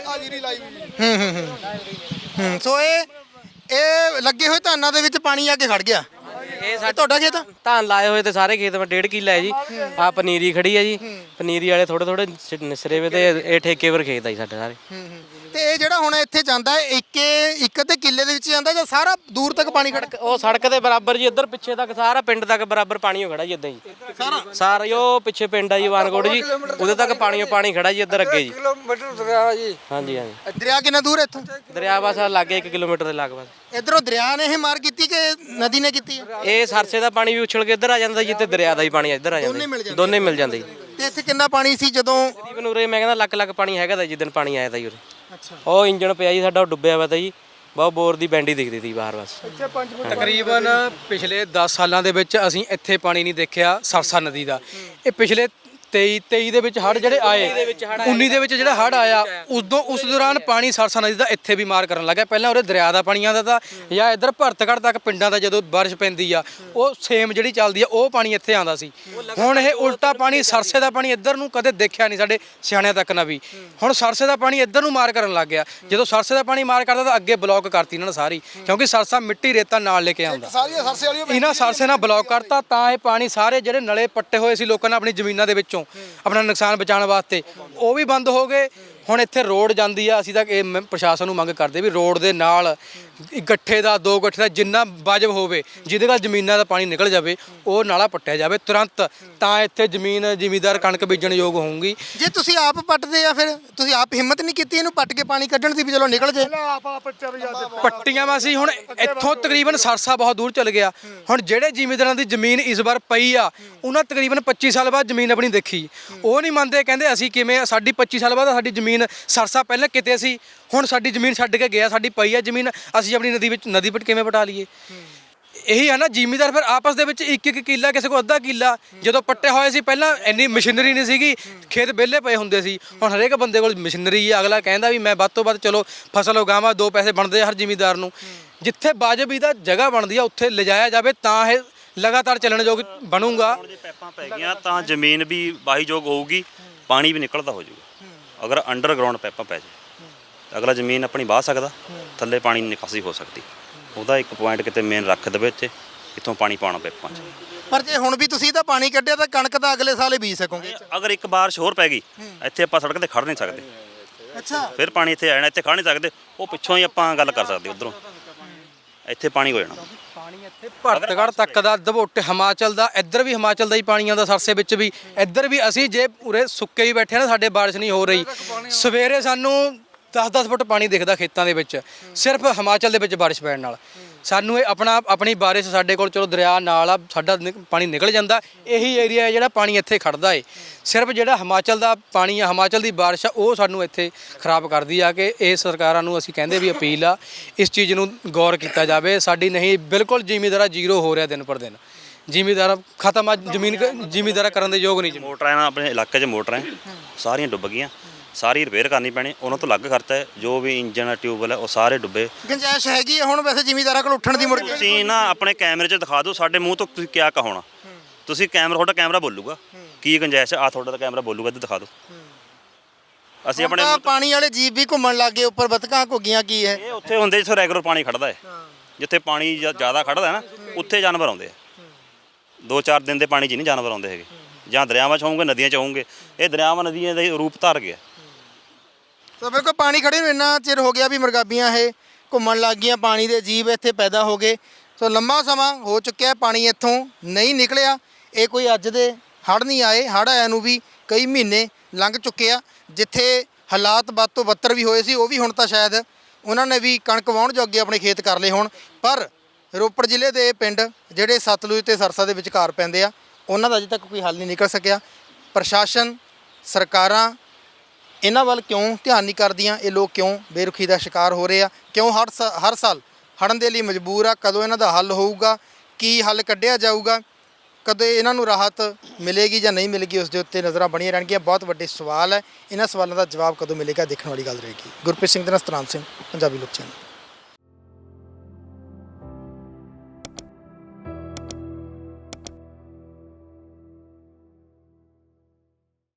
A: ਹੂੰ ਹੂੰ ਹੂੰ ਹੂੰ ਸੋ ਇਹ ਇਹ ਲੱਗੇ ਹੋਏ ਧਾਨਾਂ ਦੇ ਵਿੱਚ ਪਾਣੀ ਆ ਕੇ ਖੜ ਗਿਆ।
H: ਇਹ
A: ਇਹ ਤੁਹਾਡਾ ਖੇਤ ਆ?
H: ਧਾਨ ਲਾਏ ਹੋਏ ਤੇ ਸਾਰੇ ਖੇਤ ਵਿੱਚ ਡੇਢ ਕਿੱਲਾ ਹੈ ਜੀ। ਆ ਪਨੀਰੀ ਖੜੀ ਹੈ ਜੀ, ਪਨੀਰੀ ਵਾਲੇ ਥੋੜੇ ਥੋੜੇ ਨਿਸਰੇ ਵੇ ਤੇ ਇਹ ਠੇਕੇ ਪਰ ਖੇਤ ਆ ਜੀ ਸਾਡੇ ਸਾਰੇ।
A: ਤੇ ਇਹ ਜਿਹੜਾ ਹੁਣ ਇੱਥੇ ਜਾਂਦਾ ਹੈ ਇੱਕੇ ਇੱਕ ਤੇ ਕਿੱਲੇ ਦੇ ਵਿੱਚ ਜਾਂਦਾ ਜਾਂ ਸਾਰਾ ਦੂਰ ਤੱਕ ਪਾਣੀ ਖੜ
H: ਉਹ ਸੜਕ ਦੇ ਬਰਾਬਰ ਜੀ, ਇੱਧਰ ਪਿੱਛੇ ਤੱਕ ਸਾਰਾ ਪਿੰਡ ਤੱਕ ਬਰਾਬਰ ਪਾਣੀ ਹੋ ਖੜਾ ਜੀ ਇਦਾਂ ਜੀ। ਸਾਰਾ ਸਾਰਾ ਹੀ ਉਹ ਪਿੱਛੇ ਪਿੰਡ ਆ ਜੀ ਵਾਨਕੋਟ ਜੀ, ਉਹਦੇ ਤੱਕ ਪਾਣੀ ਓ ਪਾਣੀ ਖੜਾ ਜੀ ਇੱਧਰ ਅੱਗੇ ਜੀ।
F: ਕਿਲੋਮੀਟਰ ਦਰਿਆ ਜੀ।
H: ਹਾਂਜੀ ਹਾਂਜੀ,
A: ਦਰਿਆ ਕਿੰਨਾ ਦੂਰ ਹੈ ਇੱਥੋਂ?
H: ਦਰਿਆ ਬਸ ਲਾਗੇ ਇੱਕ ਕਿਲੋਮੀਟਰ ਦੇ ਲਗਭਗ।
A: ਇਧਰੋਂ ਦਰਿਆ ਨੇ ਇਹ ਮਾਰ ਕੀਤੀ ਕਿ ਨਦੀ ਨੇ ਕੀਤੀ ਹੈ?
H: ਇਹ ਸਰਸੇ ਦਾ ਪਾਣੀ ਵੀ ਉਛਲ ਕੇ ਇੱਧਰ ਆ ਜਾਂਦਾ ਜੀ, ਤੇ ਦਰਿਆ ਦਾ ਹੀ ਪਾਣੀ ਇੱਧਰ ਆ
A: ਦੋਨੇ ਮਿਲ
H: ਜਾਂਦਾ,
A: ਜਾਂਦੇ
H: ਦੋਨੇ ਮਿਲ ਜਾਂਦੇ ਜੀ।
A: ਤੇ ਇੱਥੇ ਕਿੰਨਾ ਪਾਣੀ ਸੀ ਜਦੋਂ?
H: ਤਕਰੀਬਨ ਉਰੇ ਮੈਂ ਕਹਿੰਦਾ ਲੱਖ ਲੱਖ ਪਾਣੀ ਹੈਗਾ ਤਾਂ ਜਿੱਦਣ ਪਾਣੀ ਆਇਆ ਤਾਂ ਜੀ ਉਰੇ। ਉਹ ਇੰਜਣ ਪਿਆ ਜੀ ਸਾਡਾ, ਉਹ ਡੁੱਬਿਆ ਵਾ ਤਾਂ ਜੀ, ਬਹੁਤ ਬੋਰ ਦੀ ਬੈਂਡੀ ਦਿਖਦੀ ਸੀ ਬਾਹਰ ਬਸ।
B: ਤਕਰੀਬਨ ਪਿਛਲੇ ਦਸ ਸਾਲਾਂ ਦੇ ਵਿੱਚ ਅਸੀਂ ਇੱਥੇ ਪਾਣੀ ਨਹੀਂ ਦੇਖਿਆ ਸਰਸਾ ਨਦੀ ਦਾ। ਇਹ ਪਿਛਲੇ ਤੇਈ ਤੇਈ ਦੇ ਵਿੱਚ ਹੜ੍ਹ ਜਿਹੜੇ ਆਏ, ਉੱਨੀ ਦੇ ਵਿੱਚ ਜਿਹੜਾ ਹੜ੍ਹ ਆਇਆ, ਉਦੋਂ ਉਸ ਦੌਰਾਨ ਪਾਣੀ ਸਰਸਾ ਨਦੀ ਦਾ ਇੱਥੇ ਵੀ ਮਾਰ ਕਰਨ ਲੱਗਾ। ਪਹਿਲਾਂ ਉਰੇ ਦਰਿਆ ਦਾ ਪਾਣੀ ਆਉਂਦਾ ਤਾ, ਜਾਂ ਇੱਧਰ ਭਰਤਗੜ੍ਹ ਤੱਕ ਪਿੰਡਾਂ ਦਾ ਜਦੋਂ ਬਾਰਿਸ਼ ਪੈਂਦੀ ਆ, ਉਹ ਸੇਮ ਜਿਹੜੀ ਚੱਲਦੀ ਆ, ਉਹ ਪਾਣੀ ਇੱਥੇ ਆਉਂਦਾ ਸੀ। ਹੁਣ ਇਹ ਉਲਟਾ ਪਾਣੀ ਸਰਸੇ ਦਾ ਪਾਣੀ ਇੱਧਰ ਨੂੰ ਕਦੇ ਦੇਖਿਆ ਨਹੀਂ ਸਾਡੇ ਸਿਆਣਿਆਂ ਤੱਕ ਨਾ ਵੀ। ਹੁਣ ਸਰਸੇ ਦਾ ਪਾਣੀ ਇੱਧਰ ਨੂੰ ਮਾਰ ਕਰਨ ਲੱਗ ਗਿਆ। ਜਦੋਂ ਸਰਸੇ ਦਾ ਪਾਣੀ ਮਾਰ ਕਰਦਾ ਤਾਂ ਅੱਗੇ ਬਲੌਕ ਕਰਤੀ ਇਹਨਾਂ ਨੇ ਸਾਰੀ, ਕਿਉਂਕਿ ਸਰਸਾ ਮਿੱਟੀ ਰੇਤਾ ਨਾਲ ਲੈ ਕੇ ਆਉਂਦਾ। ਇਹਨਾਂ ਸਰਸੇ ਨਾਲ ਬਲੌਕ ਕਰਤਾ, ਤਾਂ ਇਹ ਪਾਣੀ ਸਾਰੇ ਜਿਹੜੇ ਨਲੇ ਪੱਟੇ ਹੋਏ ਸੀ ਲੋਕਾਂ ਨੇ ਆਪਣੀ ਜ਼ਮੀਨਾਂ ਦੇ ਵਿੱਚੋਂ ਆਪਣਾ ਨੁਕਸਾਨ ਬਚਾਉਣ ਵਾਸਤੇ, ਉਹ ਵੀ ਬੰਦ ਹੋ ਗਏ। ਹੁਣ ਇੱਥੇ ਰੋਡ ਜਾਂਦੀ ਆ, ਅਸੀਂ ਤਾਂ ਇਹ ਮ- ਪ੍ਰਸ਼ਾਸਨ ਨੂੰ ਮੰਗ ਕਰਦੇ ਵੀ ਰੋਡ ਦੇ ਨਾਲ ਇੱਕ ਗੱਠੇ ਦਾ ਦੋ ਗੱਠੇ ਦਾ ਜਿੰਨਾ ਵਾਜਬ ਹੋਵੇ, ਜਿਹਦੇ ਨਾਲ ਜ਼ਮੀਨਾਂ ਦਾ ਪਾਣੀ ਨਿਕਲ ਜਾਵੇ, ਉਹ ਨਾਲਾ ਪੱਟਿਆ ਜਾਵੇ ਤੁਰੰਤ, ਤਾਂ ਇੱਥੇ ਜ਼ਮੀਨ ਜ਼ਿਮੀਦਾਰ ਕਣਕ ਬੀਜਣ ਯੋਗ ਹੋਊਗੀ।
A: ਜੇ ਤੁਸੀਂ ਆਪ ਪੱਟਦੇ ਆ ਫਿਰ ਤੁਸੀਂ ਆਪ ਹਿੰਮਤ ਨਹੀਂ ਕੀਤੀ ਇਹਨੂੰ ਪੱਟ ਕੇ ਪਾਣੀ ਕੱਢਣ ਦੀ ਵੀ ਚਲੋ ਨਿਕਲ ਜੇ?
B: ਪੱਟੀਆਂ ਵਾ ਸੀ ਹੁਣ ਇੱਥੋਂ ਤਕਰੀਬਨ ਸਰਸਾ ਬਹੁਤ ਦੂਰ ਚਲ ਗਿਆ। ਹੁਣ ਜਿਹੜੇ ਜ਼ਿਮੀਂਦਾਰਾਂ ਦੀ ਜ਼ਮੀਨ ਇਸ ਵਾਰ ਪਈ ਆ, ਉਹਨਾਂ ਤਕਰੀਬਨ ਪੱਚੀ ਸਾਲ ਬਾਅਦ ਜ਼ਮੀਨ ਆਪਣੀ ਦੇਖੀ, ਉਹ ਨਹੀਂ ਮੰਨਦੇ, ਕਹਿੰਦੇ ਅਸੀਂ ਕਿਵੇਂ, ਸਾਡੀ ਪੱਚੀ ਸਾਲ ਬਾਅਦ ਸਾਡੀ ਜ਼ਮੀਨ ਸਰਸਾ ਪਹਿਲਾਂ ਕਿਤੇ ਸੀ, ਹੁਣ ਸਾਡੀ ਜ਼ਮੀਨ ਛੱਡ ਕੇ ਗਿਆ, ਸਾਡੀ ਪਈ ਆ ਜ਼ਮੀਨ, ਅਸੀਂ ਆਪਣੀ ਨਦੀ ਵਿੱਚ ਨਦੀ ਵਿੱਚ ਕਿਵੇਂ ਪਟਾ ਲਈਏ? ਇਹੀ ਹੈ ਨਾ, ਜ਼ਿਮੀਂਦਾਰ ਫਿਰ ਆਪਸ ਦੇ ਵਿੱਚ ਇੱਕ ਇੱਕ ਕਿੱਲਾ, ਕਿਸੇ ਕੋਲ ਅੱਧਾ ਕਿੱਲਾ। ਜਦੋਂ ਪੱਟੇ ਹੋਏ ਸੀ ਪਹਿਲਾਂ ਇੰਨੀ ਮਸ਼ੀਨਰੀ ਨਹੀਂ ਸੀਗੀ, ਖੇਤ ਵਿਹਲੇ ਪਏ ਹੁੰਦੇ ਸੀ। ਹੁਣ ਹਰੇਕ ਬੰਦੇ ਕੋਲ ਮਸ਼ੀਨਰੀ ਹੈ, ਅਗਲਾ ਕਹਿੰਦਾ ਵੀ ਮੈਂ ਵੱਧ ਤੋਂ ਵੱਧ ਚਲੋ ਫਸਲ ਉਗਾਵਾਂ, ਦੋ ਪੈਸੇ ਬਣਦੇ ਆ ਹਰ ਜ਼ਿਮੀਂਦਾਰ ਨੂੰ। ਜਿੱਥੇ ਵਾਜਬ ਦਾ ਜਗ੍ਹਾ ਬਣਦੀ ਆ ਉੱਥੇ ਲਿਜਾਇਆ ਜਾਵੇ, ਤਾਂ ਇਹ ਲਗਾਤਾਰ ਚੱਲਣ ਯੋਗ ਬਣੂਗਾ।
D: ਹੁਣ ਜੇ ਪੈਪਾਂ ਪੈ ਗਈਆਂ ਤਾਂ ਜ਼ਮੀਨ ਵੀ ਵਾਹੀਯੋਗ ਹੋਊਗੀ, ਪਾਣੀ ਵੀ ਨਿਕਲਦਾ ਹੋ ਜਾਊਗਾ। ਅਗਰ ਅੰਡਰਗਰਾਉਂਡ ਪੈਪਾਂ ਪੈ ਜਾਏ ਤਾਂ ਅਗਲਾ ਜ਼ਮੀਨ ਆਪਣੀ ਵਾਹ ਸਕਦਾ, ਥੱਲੇ ਪਾਣੀ ਨਿਕਾਸੀ ਹੋ ਸਕਦੀ। ਉਹਦਾ ਇੱਕ ਪੁਆਇੰਟ ਕਿਤੇ ਮੇਨ ਰੱਖ ਦੇਵੇ ਇੱਥੇ, ਇੱਥੋਂ ਪਾਣੀ ਪਾਉਣਾ ਪੈਪਾਂ 'ਚ।
A: ਪਰ ਜੇ ਹੁਣ ਵੀ ਤੁਸੀਂ ਇਹਦਾ ਪਾਣੀ ਕੱਢਿਆ ਤਾਂ ਕਣਕ ਤਾਂ ਅਗਲੇ ਸਾਲ ਹੀ ਬੀਜ ਸਕੋਗੇ।
D: ਅਗਰ ਇੱਕ ਬਾਰਿਸ਼ ਹੋਰ ਪੈ ਗਈ, ਇੱਥੇ ਆਪਾਂ ਸੜਕ ਤੇ ਖੜ ਨਹੀਂ ਸਕਦੇ,
A: ਅੱਛਾ,
D: ਫਿਰ ਪਾਣੀ ਇੱਥੇ ਆ ਜਾਣਾ, ਇੱਥੇ ਖੜ ਨਹੀਂ ਸਕਦੇ। ਉਹ ਪਿੱਛੋਂ ਹੀ ਆਪਾਂ ਗੱਲ ਕਰ ਸਕਦੇ, ਉਧਰੋਂ ਇੱਥੇ ਪਾਣੀ ਹੋ ਜਾਣਾ।
B: ਪਾਣੀ ਇੱਥੇ ਭਰਤਗੜ੍ਹ ਤੱਕ ਦਾ, ਦਬੋਟੇ ਹਿਮਾਚਲ ਦਾ, ਇੱਧਰ ਵੀ ਹਿਮਾਚਲ ਦਾ ਹੀ ਪਾਣੀ ਆਉਂਦਾ ਸਰਸੇ ਵਿੱਚ ਵੀ, ਇੱਧਰ ਵੀ। ਅਸੀਂ ਜੇ ਉਰੇ ਸੁੱਕੇ ਹੀ ਬੈਠੇ ਨਾ, ਸਾਡੇ ਬਾਰਿਸ਼ ਨਹੀਂ ਹੋ ਰਹੀ, ਸਵੇਰੇ ਸਾਨੂੰ ਦਸ ਦਸ ਫੁੱਟ ਪਾਣੀ ਦਿਖਦਾ ਖੇਤਾਂ ਦੇ ਵਿੱਚ, ਸਿਰਫ ਹਿਮਾਚਲ ਦੇ ਵਿੱਚ ਬਾਰਿਸ਼ ਪੈਣ ਨਾਲ। ਸਾਨੂੰ ਇਹ ਆਪਣਾ ਆਪਣੀ ਬਾਰਿਸ਼, ਸਾਡੇ ਕੋਲ ਚਲੋ ਦਰਿਆ ਨਾਲ ਆ, ਸਾਡਾ ਨਿਕ- ਪਾਣੀ ਨਿਕਲ ਜਾਂਦਾ। ਇਹੀ ਏਰੀਆ ਹੈ ਜਿਹੜਾ ਪਾਣੀ ਇੱਥੇ ਖੜਦਾ ਏ। ਸਿਰਫ ਜਿਹੜਾ ਹਿਮਾਚਲ ਦਾ ਪਾਣੀ ਆ, ਹਿਮਾਚਲ ਦੀ ਬਾਰਿਸ਼ ਆ, ਉਹ ਸਾਨੂੰ ਇੱਥੇ ਖਰਾਬ ਕਰਦੀ ਆ। ਕਿ ਇਹ ਸਰਕਾਰਾਂ ਨੂੰ ਅਸੀਂ ਕਹਿੰਦੇ ਵੀ ਅਪੀਲ ਆ, ਇਸ ਚੀਜ਼ ਨੂੰ ਗੌਰ ਕੀਤਾ ਜਾਵੇ। ਸਾਡੀ ਨਹੀਂ, ਬਿਲਕੁਲ ਜ਼ਿਮੀਂਦਾਰਾ ਜ਼ੀਰੋ ਹੋ ਰਿਹਾ ਦਿਨ ਪਰ ਦਿਨ, ਜ਼ਿਮੀਂਦਾਰਾ ਖਤਮ ਆ, ਜ਼ਮੀਨ ਜ਼ਿਮੀਂਦਾਰਾ ਕਰਨ ਦੇ ਯੋਗ ਨਹੀਂ।
D: ਮੋਟਰਾਂ ਨਾਲ ਆਪਣੇ ਇਲਾਕੇ 'ਚ ਮੋਟਰਾਂ ਸਾਰੀਆਂ ਡੁੱਬ ਗਈਆਂ, ਸਾਰੀ ਰਿਪੇਅਰ ਕਰਨੀ ਪੈਣੀ, ਉਹਨਾਂ ਤੋਂ ਅਲੱਗ ਖਰਚਾ ਹੈ। ਜੋ ਵੀ ਇੰਜਨ ਟਿਊਬਵੈਲ ਹੈ ਉਹ ਸਾਰੇ ਡੁੱਬੇ।
A: ਗੁੰਜਾਇਸ਼ ਹੈਗੀ ਹੈ ਹੁਣ ਵੈਸੇ ਜ਼ਿਮੀਂਦਾਰਾਂ ਕੋਲ ਉੱਠਣ ਦੀ ਮੁੜ ਕੇ?
D: ਤੁਸੀਂ ਨਾ ਆਪਣੇ ਕੈਮਰੇ 'ਚ ਦਿਖਾ ਦਿਓ, ਸਾਡੇ ਮੂੰਹ ਤੋਂ ਤੁਸੀਂ ਕਿਆ ਕਹਾਉਣਾ। ਤੁਸੀਂ ਕੈਮਰਾ, ਤੁਹਾਡਾ ਕੈਮਰਾ ਬੋਲੂਗਾ ਕੀ ਗੁੰਜਾਇਸ਼ ਆ, ਤੁਹਾਡਾ ਤਾਂ ਕੈਮਰਾ ਬੋਲੂਗਾ, ਇੱਧਰ ਦਿਖਾ ਦਿਓ। ਅਸੀਂ ਆਪਣੇ
A: ਤਾਂ ਪਾਣੀ ਵਾਲੇ ਜੀਵ ਵੀ ਘੁੰਮਣ ਲੱਗ ਗਏ ਉੱਪਰ, ਬਤਕਾਂ ਘੁੱਗੀਆਂ ਕੀ ਹੈ?
D: ਇਹ ਉੱਥੇ ਹੁੰਦੇ ਜਿੱਥੇ ਰੈਗੂਲਰ ਪਾਣੀ ਖੜਦਾ ਹੈ, ਜਿੱਥੇ ਪਾਣੀ ਜ਼ਿਆਦਾ ਖੜਦਾ ਹੈ ਨਾ, ਉੱਥੇ ਜਾਨਵਰ ਆਉਂਦੇ ਆ। ਦੋ ਚਾਰ ਦਿਨ ਦੇ ਪਾਣੀ 'ਚ ਨਹੀਂ ਜਾਨਵਰ ਆਉਂਦੇ ਹੈਗੇ, ਜਾਂ ਦਰਿਆਵਾਂ 'ਚ ਹੋਣਗੇ, ਨਦੀਆਂ 'ਚ ਹੋਣਗੇ। ਇਹ ਦਰਿਆਵਾਂ ਨਦੀਆਂ ਦੇ ਰੂਪ ਧਾਰ ਗਿਆ।
A: ਤਾਂ ਬਿਲਕੁਲ ਪਾਣੀ ਖੜੇ ਨੂੰ ਇੰਨਾ ਚਿਰ ਹੋ ਗਿਆ ਵੀ ਮਰਗਾਬੀਆਂ ਇਹ ਘੁੰਮਣ ਲੱਗ ਗਈਆਂ, ਪਾਣੀ ਦੇ ਜੀਵ ਇੱਥੇ ਪੈਦਾ ਹੋ ਗਏ। ਸੋ ਲੰਮਾ ਸਮਾਂ ਹੋ ਚੁੱਕਿਆ, ਪਾਣੀ ਇੱਥੋਂ ਨਹੀਂ ਨਿਕਲਿਆ। ਇਹ ਕੋਈ ਅੱਜ ਦੇ ਹੜ੍ਹ ਨਹੀਂ ਆਏ, ਹੜ੍ਹ ਆਇਆ ਨੂੰ ਵੀ ਕਈ ਮਹੀਨੇ ਲੰਘ ਚੁੱਕੇ ਆ। ਜਿੱਥੇ ਹਾਲਾਤ ਵੱਧ ਤੋਂ ਬੱਤਰ ਵੀ ਹੋਏ ਸੀ, ਉਹ ਵੀ ਹੁਣ ਤਾਂ ਸ਼ਾਇਦ ਉਹਨਾਂ ਨੇ ਵੀ ਕਣਕ ਵਾਹੁਣ ਜੋਗੇ ਆਪਣੇ ਖੇਤ ਕਰ ਲਏ ਹੋਣ। ਪਰ ਰੋਪੜ ਜ਼ਿਲ੍ਹੇ ਦੇ ਪਿੰਡ ਜਿਹੜੇ ਸਤਲੁਜ ਤੇ ਸਰਸਾ ਦੇ ਵਿਚਕਾਰ ਪੈਂਦੇ ਆ, ਉਹਨਾਂ ਦਾ ਅਜੇ ਤੱਕ ਕੋਈ ਹੱਲ ਨਹੀਂ ਨਿਕਲ ਸਕਿਆ। ਪ੍ਰਸ਼ਾਸਨ, ਸਰਕਾਰਾਂ ਇਹਨਾਂ ਵੱਲ ਕਿਉਂ ਧਿਆਨ ਨਹੀਂ ਕਰਦੀਆਂ? ਇਹ ਲੋਕ ਕਿਉਂ ਬੇਰੁਖੀ ਦਾ ਸ਼ਿਕਾਰ ਹੋ ਰਹੇ ਆ? ਕਿਉਂ ਹਰ ਸਾ- ਹਰ ਸਾਲ ਹੜ੍ਹਨ ਦੇ ਲਈ ਮਜਬੂਰ ਆ। ਕਦੋਂ ਇਹਨਾਂ ਦਾ ਹੱਲ ਹੋਊਗਾ, ਕੀ ਹੱਲ ਕੱਢਿਆ ਜਾਊਗਾ, ਕਦੇ ਇਹਨਾਂ ਨੂੰ ਰਾਹਤ ਮਿਲੇਗੀ ਜਾਂ ਨਹੀਂ ਮਿਲੇਗੀ, ਉਸ ਦੇ ਉੱਤੇ ਨਜ਼ਰਾਂ ਬਣੀਆਂ ਰਹਿਣਗੀਆਂ। ਬਹੁਤ ਵੱਡੇ ਸਵਾਲ ਹੈ, ਇਹਨਾਂ ਸਵਾਲਾਂ ਦਾ ਜਵਾਬ ਕਦੋਂ ਮਿਲੇਗਾ ਦੇਖਣ ਵਾਲੀ ਗੱਲ ਰਹੇਗੀ। ਗੁਰਪ੍ਰੀਤ ਸਿੰਘ ਦੇ ਨਾਲ ਸਤਨਾਮ ਸਿੰਘ, ਪੰਜਾਬੀ ਲੋਕ ਚੈਨਲ।